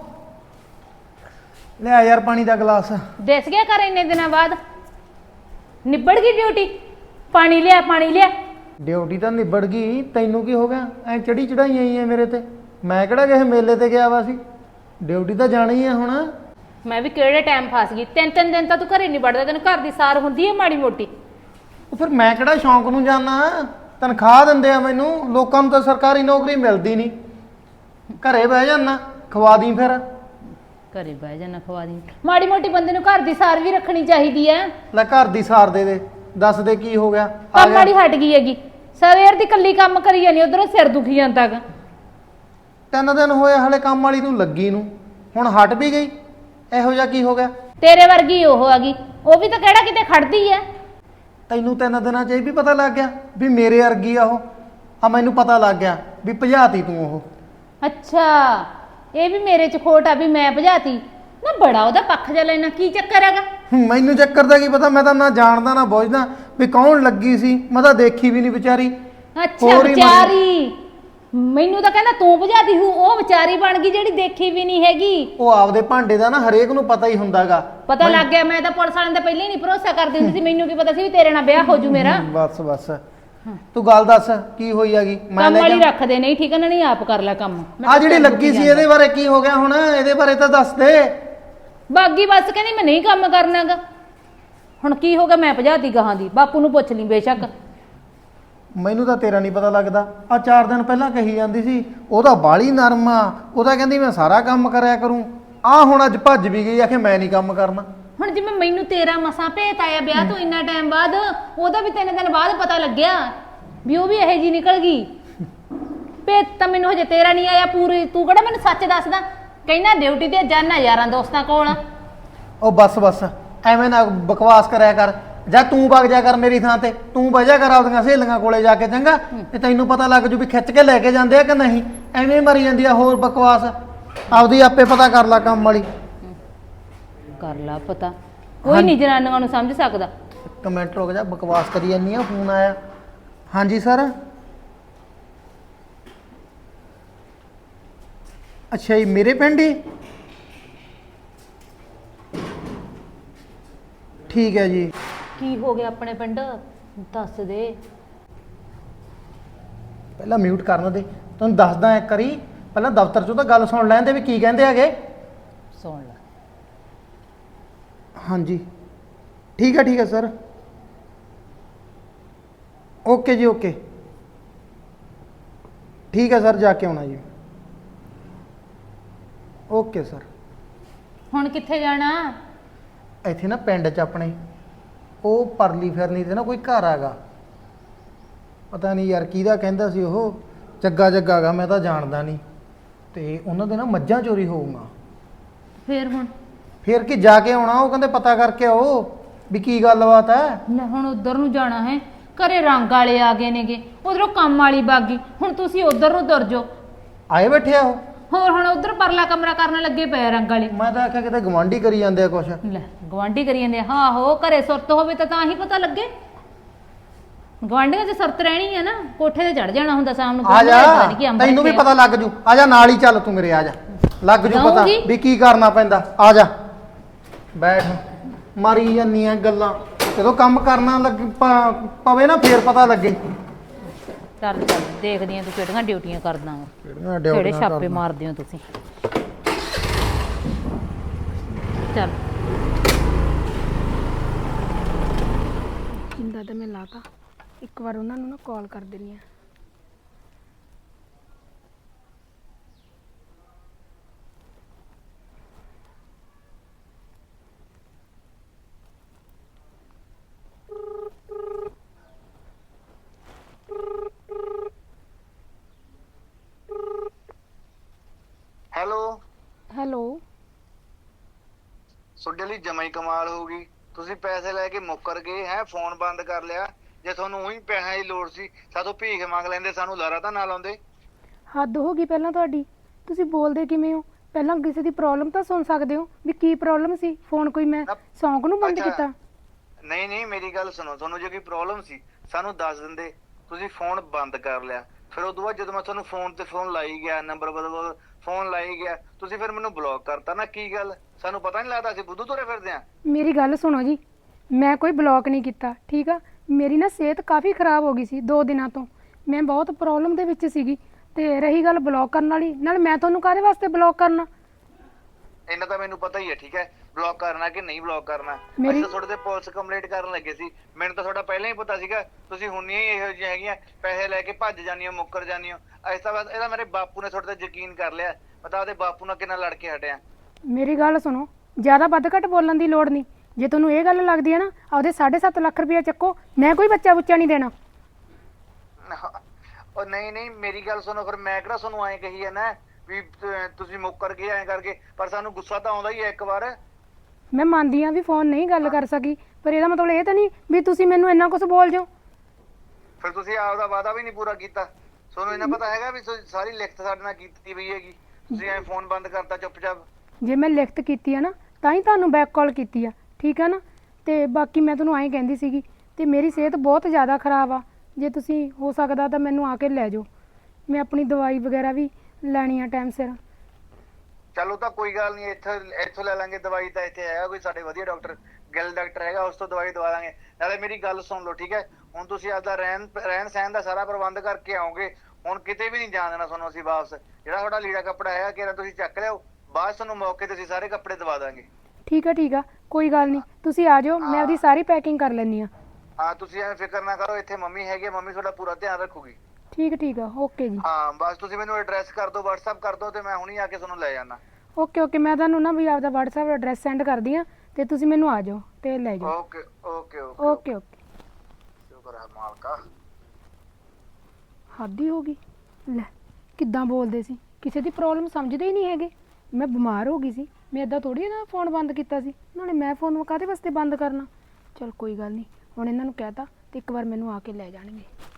S7: ਲੈ ਯਾਰ ਪਾਣੀ ਦਾ ਗਲਾਸ।
S8: ਦਿਸ ਗਿਆ ਕਰ ਇੰਨੇ ਦਿਨਾਂ ਬਾਅਦ ਨਿਬੜ ਗਈ ਡਿਊਟੀ? ਪਾਣੀ ਲਿਆ, ਪਾਣੀ ਲਿਆ।
S7: ਡਿਊਟੀ ਤਾਂ ਨਿਬੜ ਗਈ, ਤੈਨੂੰ ਕੀ ਹੋ ਗਿਆ? ਐ ਚੜੀ ਚੜਾਈ ਆਈ ਐ ਮੇਰੇ ਤੇ। ਮੈਂ ਕਿਹੜਾ ਕਿਸੇ ਮੇਲੇ ਤੇ ਗਿਆ ਵਾ ਸੀ? ਡਿਊਟੀ ਤਾਂ ਜਾਣੀ ਆ ਹੁਣ।
S8: ਮੈਂ ਵੀ ਕਿਹੜੇ ਟਾਈਮ ਫਸ ਗਈ। 3-3 ਦਿਨ ਤਾਂ ਤੂੰ ਘਰੇ ਨਹੀਂ ਵੜਦਾ, ਤੈਨੂੰ ਘਰ ਦੀ ਸਾਰ ਹੁੰਦੀ ਹੈ ਮਾੜੀ ਮੋਟੀ।
S7: ਉਹ ਫਿਰ ਮੈਂ ਕਿਹੜਾ ਸ਼ੌਂਕ ਨੂੰ ਜਾਣਾ? ਤਨਖਾਹ ਦਿੰਦੇ ਆ ਮੈਨੂੰ। ਲੋਕਾਂ ਨੂੰ ਤਾਂ ਸਰਕਾਰੀ ਨੌਕਰੀ ਮਿਲਦੀ ਨਹੀਂ। ਘਰੇ ਬਹਿ ਜਾਣਾ, ਖਵਾ ਦੀ ਫਿਰ।
S8: ਘਰੇ ਬਹਿ ਜਾਣਾ, ਖਵਾ ਦੀ। ਮਾੜੀ ਮੋਟੀ ਬੰਦੇ ਨੂੰ ਘਰ ਦੀ ਸਾਰ ਵੀ ਰੱਖਣੀ ਚਾਹੀਦੀ ਹੈ।
S7: ਲੈ ਘਰ ਦੀ ਸਾਰ ਦੇ ਦੇ। ਦੱਸ ਦੇ ਕੀ ਹੋ ਗਿਆ? ਆ
S8: ਕੰਮ
S7: ਗਿਆ।
S8: ਮਾੜੀ ਹਟ ਗਈ ਹੈਗੀ। ਸਵੇਰ ਦੀ ਕੱਲੀ ਕੰਮ ਕਰੀ ਜਾਨੀ, ਉਧਰੋਂ ਸਿਰ ਦੁਖੀ ਜਾਂਦਾ ਗਾ।
S7: 3 ਦਿਨ ਹੋਏ ਹਲੇ ਕੰਮ ਵਾਲੀ ਨੂੰ ਲੱਗੀ ਨੂੰ, ਹੁਣ ਹਟ ਵੀ ਗਈ। ਇਹੋ ਜਿਹਾ ਕੀ ਹੋ ਗਿਆ?
S8: ਤੇਰੇ ਵਰਗੀ ਉਹ ਹੈਗੀ, ਉਹ ਵੀ ਤਾਂ ਕਿਹੜਾ ਕਿਤੇ ਖੜਦੀ ਹੈ।
S7: ਤੈਨੂੰ 3 ਦਿਨਾਂ 'ਚ ਇਹ ਵੀ ਪਤਾ ਲੱਗ ਗਿਆ ਵੀ ਮੇਰੇ ਵਰਗੀ ਆ ਉਹ? ਆ ਮੈਨੂੰ ਪਤਾ ਲੱਗ ਗਿਆ ਵੀ ਭਜਾਤੀ ਤੂੰ ਉਹ।
S8: ਅੱਛਾ, ਇਹ ਵੀ ਮੇਰੇ 'ਚ ਖੋਟ ਆ ਵੀ ਮੈਂ ਭਜਾਤੀ ਨਾ। ਬੜਾ ਉਹਦਾ ਪੱਖ ਜਾ ਲੈਣਾ, ਕੀ ਚੱਕਰ ਹੈਗਾ?
S7: ਮੈਨੂੰ ਚੱਕਰ ਦਾ ਕੀ ਪਤਾ? ਮੈਂ ਤਾਂ ਨਾ ਜਾਣਦਾ ਨਾ ਬੁੱਝਦਾ ਵੀ ਕੌਣ ਲੱਗੀ ਸੀ। ਮੈਂ ਤਾਂ ਦੇਖੀ ਵੀ ਨਹੀਂ ਵਿਚਾਰੀ।
S8: ਅੱਛਾ,
S7: ਹੋਰ ਹੀ
S8: ਵਿਚਾਰੀ। ਮੈਨੂੰ ਤਾਂ ਕਹਿੰਦਾ ਤੂੰ ਭਜਾਤੀ ਹੂੰ। ਉਹ ਵਿਚਾਰੀ ਬਣ ਗਈ ਜਿਹੜੀ ਦੇਖੀ ਵੀ ਨਹੀਂ ਹੈਗੀ।
S7: ਉਹ ਆਪਦੇ ਭਾਂਡੇ ਦਾ ਨਾ ਹਰੇਕ ਨੂੰ ਪਤਾ ਹੀ ਹੁੰਦਾਗਾ
S8: ਪਤਾ ਲੱਗ ਗਿਆ। ਮੈਂ ਤਾਂ ਪੁਲਿਸ ਵਾਲਿਆਂ ਦਾ ਪਹਿਲਾਂ ਹੀ ਨਹੀਂ ਭਰੋਸਾ ਕਰਦੀ ਹੁੰਦੀ ਸੀ। ਮੈਨੂੰ ਕੀ ਪਤਾ ਸੀ ਵੀ ਤੇਰੇ ਨਾਲ ਵਿਆਹ ਹੋ ਜੂ ਮੇਰਾ।
S7: ਬਸ ਬਸ ਤੂੰ ਗੱਲ ਦੱਸ ਕੀ ਹੋਈ ਹੈਗੀ? ਮੈਂ
S8: ਕੰਮ
S7: ਲੈ
S8: ਵਾਲੀ
S7: ਕੇ
S8: ਰੱਖਦੇ ਨਹੀਂ, ਠੀਕ ਹੈ ਨਾ? ਨਹੀਂ ਆਪ ਕਰ ਲੈ ਕੰਮ।
S7: ਆ ਜਿਹੜੀ ਲੱਗੀ ਸੀ ਇਹਦੇ ਬਾਰੇ ਕੀ ਹੋ ਗਿਆ ਹੁਣ? ਇਹਦੇ ਬਾਰੇ ਤਾਂ ਦੱਸ ਦੇ।
S8: ਬਾਗੀ ਬਸ ਕਹਿੰਦੀ ਮੈਂ ਨਹੀਂ ਕੰਮ ਕਰਨਾਗਾ। ਹੁਣ ਕੀ ਹੋ ਗਿਆ? ਮੈਂ ਭਜਾਤੀ ਗਾਹਾਂ ਦੀ। ਬਾਪੂ ਨੂੰ ਪੁੱਛ ਲਈ ਬੇਸ਼ੱਕ।
S7: ਮੈਨੂੰ ਤਾਂ ਤੇਰਾ ਨਹੀਂ ਪਤਾ ਲੱਗਦਾ। ਆ 4 ਦਿਨ ਪਹਿਲਾਂ ਕਹੀ ਜਾਂਦੀ ਸੀ ਉਹਦਾ ਬਾਲੀ ਨਰਮ ਆ, ਉਹਦਾ ਕਹਿੰਦੀ ਮੈਂ ਸਾਰਾ ਕੰਮ ਕਰਿਆ ਕਰੂੰ। ਆ ਹੁਣ ਅੱਜ ਭੱਜ ਵੀ ਗਈ, ਆਖੇ ਮੈਂ ਨਹੀਂ ਕੰਮ ਕਰਨਾ।
S8: ਹੁਣ ਜਿਵੇਂ ਮੈਨੂੰ ਤੇਰਾ ਮਸਾਂ ਭੇਤ ਆਇਆ ਵਿਆਹ ਤੋਂ ਇੰਨਾ ਟਾਈਮ ਬਾਅਦ, ਉਹਦਾ ਵੀ 3 ਦਿਨ ਬਾਅਦ ਪਤਾ ਲੱਗਿਆ ਵੀ ਉਹ ਵੀ ਇਹੋ ਜੀ ਨਿਕਲ ਗਈ। ਭੇਤ ਤਾਂ ਮੈਨੂੰ ਹਜੇ ਤੇਰਾ ਨਹੀਂ ਆਇਆ ਪੂਰੀ। ਤੂੰ ਕਿਹੜਾ ਮੈਨੂੰ ਸੱਚ ਦੱਸਦਾ? ਕਹਿੰਦਾ ਡਿਊਟੀ ਤੇ ਜਾਣਾ ਯਾਰਾਂ ਦੋਸਤਾਂ ਕੋਲ।
S7: ਉਹ ਬਸ ਬਸ ਐਵੇਂ ਨਾ ਬਕਵਾਸ ਕਰਿਆ ਕਰ। ਜਾਂ ਤੂੰ ਵਗ ਜਾ ਕਰ ਮੇਰੀ ਥਾਂ ਤੇ, ਤੂੰ ਬਹਿ ਜਾ ਕਰ ਆਪਦੀਆਂ ਸਹੇਲੀਆਂ ਕੋਲੇ ਜਾ ਕੇ, ਚੰਗਾ? ਤੇ ਤੈਨੂੰ ਪਤਾ ਲੱਗ ਜੂ ਵੀ ਖਿੱਚ ਕੇ ਲੈ ਕੇ ਜਾਂਦੇ ਆ ਕਿ ਨਹੀਂ। ਐਵੇਂ ਮਰੀ ਜਾਂਦੀ ਆ ਹੋਰ ਬਕਵਾਸ। ਆਪਦੀ ਆਪੇ ਪਤਾ ਕਰ ਲੈ ਕੰਮ ਵਾਲੀ।
S8: ਕਰ ਲਾ ਪਤਾ। ਕੋਈ ਨਹੀਂ ਜਨਾਨੀਆਂ ਨੂੰ ਸਮਝ ਸਕਦਾ।
S7: ਇੱਕ ਮਿੰਟ ਰੁਕ ਜਾ, ਬਕਵਾਸ ਕਰੀ ਜਾਂਦੀ ਆ। ਫੋਨ ਆਇਆ। ਹਾਂਜੀ ਸਰ। ਅੱਛਾ ਜੀ, ਮੇਰੇ ਪਿੰਡ ਹੀ? ਠੀਕ ਹੈ ਜੀ।
S8: ਕੀ ਹੋ ਗਿਆ ਆਪਣੇ ਪਿੰਡ? ਦੱਸ ਦੇ।
S7: ਪਹਿਲਾਂ ਮਿਊਟ ਕਰਨ ਦੇ, ਤੁਹਾਨੂੰ ਦੱਸਦਾ ਇੱਕ ਵਾਰੀ। ਪਹਿਲਾਂ ਦਫ਼ਤਰ ਚੋਂ ਤਾਂ ਗੱਲ ਸੁਣ ਲੈਂਦੇ ਵੀ ਕੀ ਕਹਿੰਦੇ ਹੈਗੇ।
S8: ਸੁਣ ਲੈ।
S7: ਹਾਂਜੀ ਠੀਕ ਹੈ ਸਰ। ਓਕੇ ਜੀ ਓਕੇ। ਠੀਕ ਹੈ ਸਰ, ਜਾ ਕੇ ਆਉਣਾ ਜੀ। Okay sir.
S8: ਹੁਣ ਕਿੱਥੇ ਜਾਣਾ?
S7: ਇੱਥੇ ਨਾ ਪਿੰਡ 'ਚ ਆਪਣੇ ਉਹ ਪਰਲੀ ਫਿਰਨੀ ਤੇ ਨਾ ਕੋਈ ਘਰ ਹੈਗਾ। ਪਤਾ ਨਹੀਂ ਯਾਰ ਕਿਹਦਾ ਕਹਿੰਦਾ ਸੀ ਉਹ। ਜੱਗਾ ਗਾ, ਮੈਂ ਤਾਂ ਜਾਣਦਾ ਨਹੀਂ। ਤੇ ਉਹਨਾਂ ਦੇ ਨਾ ਮੱਝਾਂ ਚੋਰੀ ਹੋਊਗਾ।
S8: ਫੇਰ ਹੁਣ?
S7: ਫੇਰ ਕੀ ਜਾ ਕੇ ਆਉਣਾ। ਉਹ ਕਹਿੰਦੇ ਪਤਾ ਕਰਕੇ ਆਓ ਵੀ ਕੀ ਗੱਲਬਾਤ ਹੈ।
S8: ਲੈ ਹੁਣ ਉਧਰ ਨੂੰ ਜਾਣਾ ਹੈ? ਘਰੇ ਰੰਗ ਵਾਲੇ ਆ ਗਏ ਨੇਗੇ, ਉਧਰੋਂ ਕੰਮ ਵਾਲੀ ਬਾਗੀ। ਹੁਣ ਤੁਸੀਂ ਉਧਰ ਨੂੰ ਤੁਰ ਜਾਓ।
S7: ਆਏ ਬੈਠੇ ਆ ਉਹ?
S8: ਹੋਰ ਹੁਣ ਉਧਰ ਪਰਲਾ ਕਮਰਾ ਕਰਨ ਲੱਗੇ ਪਏ ਰੰਗ ਵਾਲੇ।
S7: ਮੈਂ ਤਾਂ ਆਖਿਆ ਕਿਤੇ ਗਵਾਂਢੀ ਕਰੀ ਜਾਂਦੇ ਆ ਕੁਛ।
S8: ਲੈ ਗਵਾਂਢੀ ਕਰੀ ਜਾਂਦੇ ਆ? ਹਾਂ ਹੋ ਘਰੇ ਸੁਰਤ ਹੋਵੇ ਤਾਂ ਹੀ ਪਤਾ ਲੱਗੇ। ਗਵਾਂਢੀਆਂ 'ਚ ਸੁਰਤ ਰਹਿਣੀ ਹੈ ਨਾ। ਕੋਠੇ ਤੇ ਚੜ ਜਾਣਾ ਹੁੰਦਾ ਸ਼ਾਮ ਨੂੰ।
S7: ਆ ਜਾ, ਤੈਨੂੰ ਵੀ ਪਤਾ ਲੱਗ ਜੂ। ਆ ਜਾ ਨਾਲ ਹੀ ਚੱਲ ਤੂੰ ਮੇਰੇ। ਆ ਜਾ, ਲੱਗ ਜੂ ਪਤਾ
S8: ਜਾਊਂਗੀ।
S7: ਵੀ ਕੀ ਕਰਨਾ ਪੈਂਦਾ। ਆ ਜਾ ਬੈਠ। ਮਾਰੀ ਜਾਂਦੀਆਂ ਗੱਲਾਂ। ਜਦੋਂ ਕੰਮ ਕਰਨਾ ਪਵੇ ਨਾ ਫੇਰ ਪਤਾ ਲੱਗੇ।
S8: ਚੱਲ ਦੇਖਦੀ ਆ ਤੂੰ ਕਿਹੜੀਆਂ ਡਿਊਟੀਆਂ ਕਰਦਾ ਵਾ,
S7: ਕਿਹੜੀਆਂ
S8: ਕਿਹੜੇ
S7: ਡਿਊਟੀਆਂ
S8: ਛਾਪੇ
S7: ਕਰਦਾ।
S8: ਮਾਰਦੇ ਹੋ ਤੁਸੀਂ। ਚੱਲ
S9: ਜਿੰਦਾ ਤਾਂ ਮੈਂ ਲਾਤਾ। ਇੱਕ ਵਾਰ ਉਹਨਾਂ ਨੂੰ ਨਾ ਕਾਲ ਕਰ ਦਿੰਨੀ ਆ। ਹੈਲੋ।
S3: ਤੁਹਾਡੇ ਲਈ ਜਮਾਈ ਕਮਾਲ ਹੋ ਗਈ। ਤੁਸੀਂ ਪੈਸੇ ਲੈ ਕੇ ਮੁੱਕਰ ਗਏ ਹੈ, ਫੋਨ ਬੰਦ ਕਰ ਲਿਆ। ਜੇ ਤੁਹਾਨੂੰ ਉਹੀ ਪੈਸਿਆਂ ਦੀ ਲੋੜ ਸੀ ਸਾਥੋਂ ਭੀਖ ਮੰਗ ਲੈਂਦੇ, ਸਾਨੂੰ ਲਾਰਾ ਤਾਂ ਨਾ ਲਾਉਂਦੇ।
S9: ਹੱਦ ਹੋ ਗਈ ਪਹਿਲਾਂ ਤੁਹਾਡੀ। ਤੁਸੀਂ ਬੋਲਦੇ ਕਿਵੇਂ ਹੋ? ਪਹਿਲਾਂ ਕਿਸੇ ਦੀ ਪ੍ਰੋਬਲਮ ਤਾਂ ਸੁਣ ਸਕਦੇ ਹੋ ਵੀ ਕੀ ਪ੍ਰੋਬਲਮ ਸੀ। ਫੋਨ ਕੋਈ ਮੈਂ ਸੌਂਕ ਨੂੰ ਬੰਦ ਕੀਤਾ?
S3: ਨਹੀਂ ਮੇਰੀ ਗੱਲ ਸੁਣੋ। ਤੁਹਾਨੂੰ ਜੇ ਕੋਈ ਪ੍ਰੋਬਲਮ ਸੀ ਸਾਨੂੰ ਦੱਸ ਦਿੰਦੇ। ਤੁਸੀਂ ਫੋਨ ਬੰਦ ਕਰ ਲਿਆ। ਫਿਰ ਉਦੋਂ ਬਾਅਦ ਜਦੋਂ ਮੈਂ ਤੁਹਾਨੂੰ ਫੋਨ ਤੇ ਫੋਨ ਲਾਈ ਗਿਆ, ਨੰਬਰ ਬਦਲ ਫੋਨ ਲਾਈ ਗਿਆ, ਤੁਸੀਂ ਫਿਰ ਮੈਨੂੰ ਬਲੌਕ ਕਰਤਾ ਨਾ। ਕੀ ਗੱਲ, ਸਾਨੂੰ ਪਤਾ ਨਹੀਂ ਲੱਗਦਾ ਅਸੀਂ ਬੁੱਧੂ ਤੁਰੇ ਫਿਰਦੇ ਆ?
S9: ਮੇਰੀ ਗੱਲ ਸੁਣੋ ਜੀ, ਮੈਂ ਕੋਈ ਬਲੌਕ ਨਹੀਂ ਕੀਤਾ, ਠੀਕ ਆ? ਮੇਰੀ ਨਾ ਸਿਹਤ ਕਾਫੀ ਖਰਾਬ ਹੋ ਗਈ ਸੀ 2 ਦਿਨਾਂ ਤੋਂ। ਮੈਂ ਬਹੁਤ ਪ੍ਰੋਬਲਮ ਦੇ ਵਿੱਚ ਸੀਗੀ। ਤੇ ਰਹੀ ਗੱਲ ਬਲੌਕ ਕਰਨ ਵਾਲੀ, ਨਾਲ ਮੈਂ ਤੁਹਾਨੂੰ ਕਾਹਦੇ ਵਾਸਤੇ ਬਲੌਕ ਕਰਨਾ?
S3: ਇਹਨਾਂ ਤਾਂ ਮੈਨੂੰ ਪਤਾ ਹੀ ਹੈ, ਠੀਕ ਹੈ, ਬਲੌਕ ਕਰਨਾ ਕਿ ਨਹੀਂ ਬਲੌਕ ਕਰਨਾ। ਅਸੀਂ ਤਾਂ ਤੁਹਾਡੇ ਤੇ ਪੁਲਿਸ ਕੰਪਲੇਂਟ ਕਰਨ ਲੱਗੇ ਸੀ। ਮੈਨੂੰ ਤਾਂ ਤੁਹਾਡਾ ਪਹਿਲਾਂ ਹੀ ਪਤਾ ਸੀਗਾ ਤੁਸੀਂ ਹੁੰਨੀਆਂ ਹੀ ਇਹੋ ਜਿਹੀਆਂ ਹੈਗੀਆਂ, ਪੈਸੇ ਲੈ ਕੇ ਭੱਜ ਜਾਂਦੀਆਂ, ਮੁੱਕਰ ਜਾਂਦੀਆਂ। ਇਸ ਤੋਂ ਬਾਅਦ ਇਹਦਾ ਮੇਰੇ ਬਾਪੂ ਨੇ ਤੁਹਾਡੇ ਤੇ ਯਕੀਨ ਕਰ ਲਿਆ। ਪਤਾ ਉਹਦੇ ਬਾਪੂ ਨਾਲ ਕਿੰਨਾ ਲੜ ਕੇ ਹਟਿਆ।
S9: ਮੇਰੀ ਗੱਲ ਸੁਣੋ, ਜ਼ਿਆਦਾ ਵੱਧ ਘੱਟ ਬੋਲਣ ਦੀ ਲੋੜ ਨਹੀਂ। ਜੇ ਤੁਹਾਨੂੰ ਇਹ ਗੱਲ ਲੱਗਦੀ ਹੈ ਨਾ, ਆਪਦੇ 7.5 ਲੱਖ ਰੁਪਇਆ ਚੱਕੋ। ਮੈਂ ਕੋਈ ਬੱਚਾ ਬੁੱਚਾ ਨਹੀਂ ਦੇਣਾ।
S3: ਉਹ ਨਹੀਂ ਮੇਰੀ ਗੱਲ ਸੁਣੋ। ਫਿਰ ਮੈਂ ਕਿਹੜਾ ਤੁਹਾਨੂੰ ਐਂ ਕਹੀ ਹੈ ਨਾ ਵੀ ਤੁਸੀਂ ਮੁੱਕਰ ਗਏ ਐਂ ਕਰਕੇ, ਪਰ ਸਾਨੂੰ ਗੁੱਸਾ ਤਾਂ ਆਉਂਦਾ ਹੀ ਹੈ ਇੱਕ ਵਾਰ।
S9: ਮੈਂ ਮੰਨਦੀ ਹਾਂ ਵੀ ਫੋਨ ਨਹੀਂ ਗੱਲ ਕਰ ਸਕੀ, ਪਰ ਇਹਦਾ ਮਤਲਬ ਇਹ ਤਾਂ ਨਹੀਂ ਵੀ ਤੁਸੀਂ ਮੈਨੂੰ ਇੰਨਾ ਕੁਝ ਬੋਲ ਜਾਓ।
S3: ਫਿਰ ਤੁਸੀਂ ਆਪਦਾ ਵਾਅਦਾ ਵੀ ਨਹੀਂ ਪੂਰਾ ਕੀਤਾ। ਤੁਹਾਨੂੰ ਇਹਨਾਂ ਪਤਾ ਹੈਗਾ ਵੀ ਸਾਰੀ ਲਿਖਤ ਸਾਡੇ ਨਾਲ ਕੀਤੀ ਪਈ ਹੈਗੀ, ਤੁਸੀਂ ਐਂ ਫੋਨ ਬੰਦ ਕਰਤਾ ਚੁੱਪਚਾਪ।
S9: ਜੇ ਮੈਂ ਲਿਖਤ ਕੀਤੀ ਆ ਨਾ ਤਾਂ ਹੀ ਤੁਹਾਨੂੰ ਬੈਕ ਕਾਲ ਕੀਤੀ ਆ, ਠੀਕ ਆ ਨਾ? ਤੇ ਬਾਕੀ ਮੈਂ ਤੁਹਾਨੂੰ ਐਂ ਕਹਿੰਦੀ ਸੀਗੀ, ਤੇ ਮੇਰੀ ਸਿਹਤ ਬਹੁਤ ਜ਼ਿਆਦਾ ਖਰਾਬ ਆ। ਜੇ ਤੁਸੀਂ ਹੋ ਸਕਦਾ ਤਾਂ ਮੈਨੂੰ ਆ ਕੇ ਲੈ ਜਾਓ। ਮੈਂ ਆਪਣੀ ਦਵਾਈ ਵਗੈਰਾ ਵੀ ਲੈਣੀ ਆ ਟਾਈਮ ਸਿਰ।
S10: ਚਲੋ ਤਾਂ ਕੋਈ ਗੱਲ ਨਹੀਂ, ਇੱਥੋਂ ਲੈ ਲਾਂਗੇ ਦਵਾਈ। ਤਾਂ ਇੱਥੇ ਹੈਗਾ ਕੋਈ ਸਾਡੇ ਵਧੀਆ ਡਾਕਟਰ, ਗਿੱਲ ਡਾਕਟਰ ਹੈਗਾ, ਉਸ ਤੋਂ ਦਵਾਈ ਦਵਾ ਦਾਂਗੇ। ਨਾਲੇ ਮੇਰੀ ਗੱਲ ਸੁਣ ਲਓ, ਠੀਕ ਹੈ? ਹੁਣ ਤੁਸੀਂ ਆਪਦਾ ਰਹਿਣ ਸਹਿਣ ਦਾ ਸਾਰਾ ਪ੍ਰਬੰਧ ਕਰਕੇ ਆਓਗੇ। ਹੁਣ ਕਿਤੇ ਵੀ ਨਹੀਂ ਜਾਣ ਦੇਣਾ ਤੁਹਾਨੂੰ ਅਸੀਂ ਵਾਪਸ। ਜਿਹੜਾ ਤੁਹਾਡਾ ਲੀੜਾ ਕੱਪੜਾ ਹੈਗਾ ਕਿਹੜਾ ਤੁਸੀਂ ਚੱਕ ਲਿਓ, ਬਾਅਦ 'ਚ ਤੁਹਾਨੂੰ ਮੌਕੇ ਤੇ ਅਸੀਂ ਸਾਰੇ ਕੱਪੜੇ ਦਵਾ ਦਾਂਗੇ।
S9: ਠੀਕ ਆ ਕੋਈ ਗੱਲ ਨਹੀਂ, ਤੁਸੀਂ ਆ ਜਾਓ, ਮੈਂ ਆਪਦੀ ਸਾਰੀ ਪੈਕਿੰਗ ਕਰ ਲੈਣੀ ਆ।
S10: ਹਾਂ ਤੁਸੀਂ ਐਵੇਂ ਫਿਕਰ ਨਾ ਕਰੋ, ਇੱਥੇ ਮੰਮੀ ਹੈਗੀ, ਮੰਮੀ ਤੁਹਾਡਾ ਪੂਰਾ ਧਿਆਨ ਰੱਖੂਗੀ।
S9: ਠੀਕ ਆ ਓਕੇ ਜੀ।
S10: ਹਾਂ ਬਸ ਤੁਸੀਂ ਮੈਨੂੰ ਐਡਰੈਸ ਕਰ ਦਿਓ, WhatsApp ਕਰ ਦਿਓ, ਤੇ ਮੈਂ ਹੁਣੀ ਆ ਕੇ ਤੁਹਾਨੂੰ ਲੈ ਜਾਣਾ।
S9: ਓਕੇ ਮੈਂ ਤੁਹਾਨੂੰ ਨਾ ਵੀ ਆਪਦਾ WhatsApp ਐਡਰੈਸ ਸੈਂਡ ਕਰਦੀ ਆ ਤੇ ਤੁਸੀਂ ਮੈਨੂੰ ਆ ਜਾਓ ਤੇ ਲੈ ਜਾਓ। ਓਕੇ
S10: ਸ਼ੁਕਰ ਹੈ ਮਾਲਕਾ।
S9: ਹੱਦ ਹੀ ਹੋ ਗਈ, ਲੈ ਕਿੱਦਾਂ ਬੋਲਦੇ ਸੀ, ਕਿਸੇ ਦੀ ਪ੍ਰੋਬਲਮ ਸਮਝਦੇ ਹੀ ਨਹੀਂ ਹੈਗੇ। ਮੈਂ ਬਿਮਾਰ ਹੋ ਗਈ ਸੀ, ਮੈਂ ਇਦਾਂ ਥੋੜੀ ਨਾ ਫੋਨ ਬੰਦ ਕੀਤਾ ਸੀ, ਨਾਲੇ ਮੈਂ ਫੋਨ ਕਾਹਦੇ ਵਾਸਤੇ ਬੰਦ ਕਰਨਾ। ਚਲ ਕੋਈ ਗੱਲ ਨਹੀਂ, ਹੁਣ ਇਹਨਾਂ ਨੂੰ ਕਹਿਤਾ ਤੇ ਇੱਕ ਵਾਰ ਮੈਨੂੰ ਆ ਕੇ ਲੈ ਜਾਣਗੇ।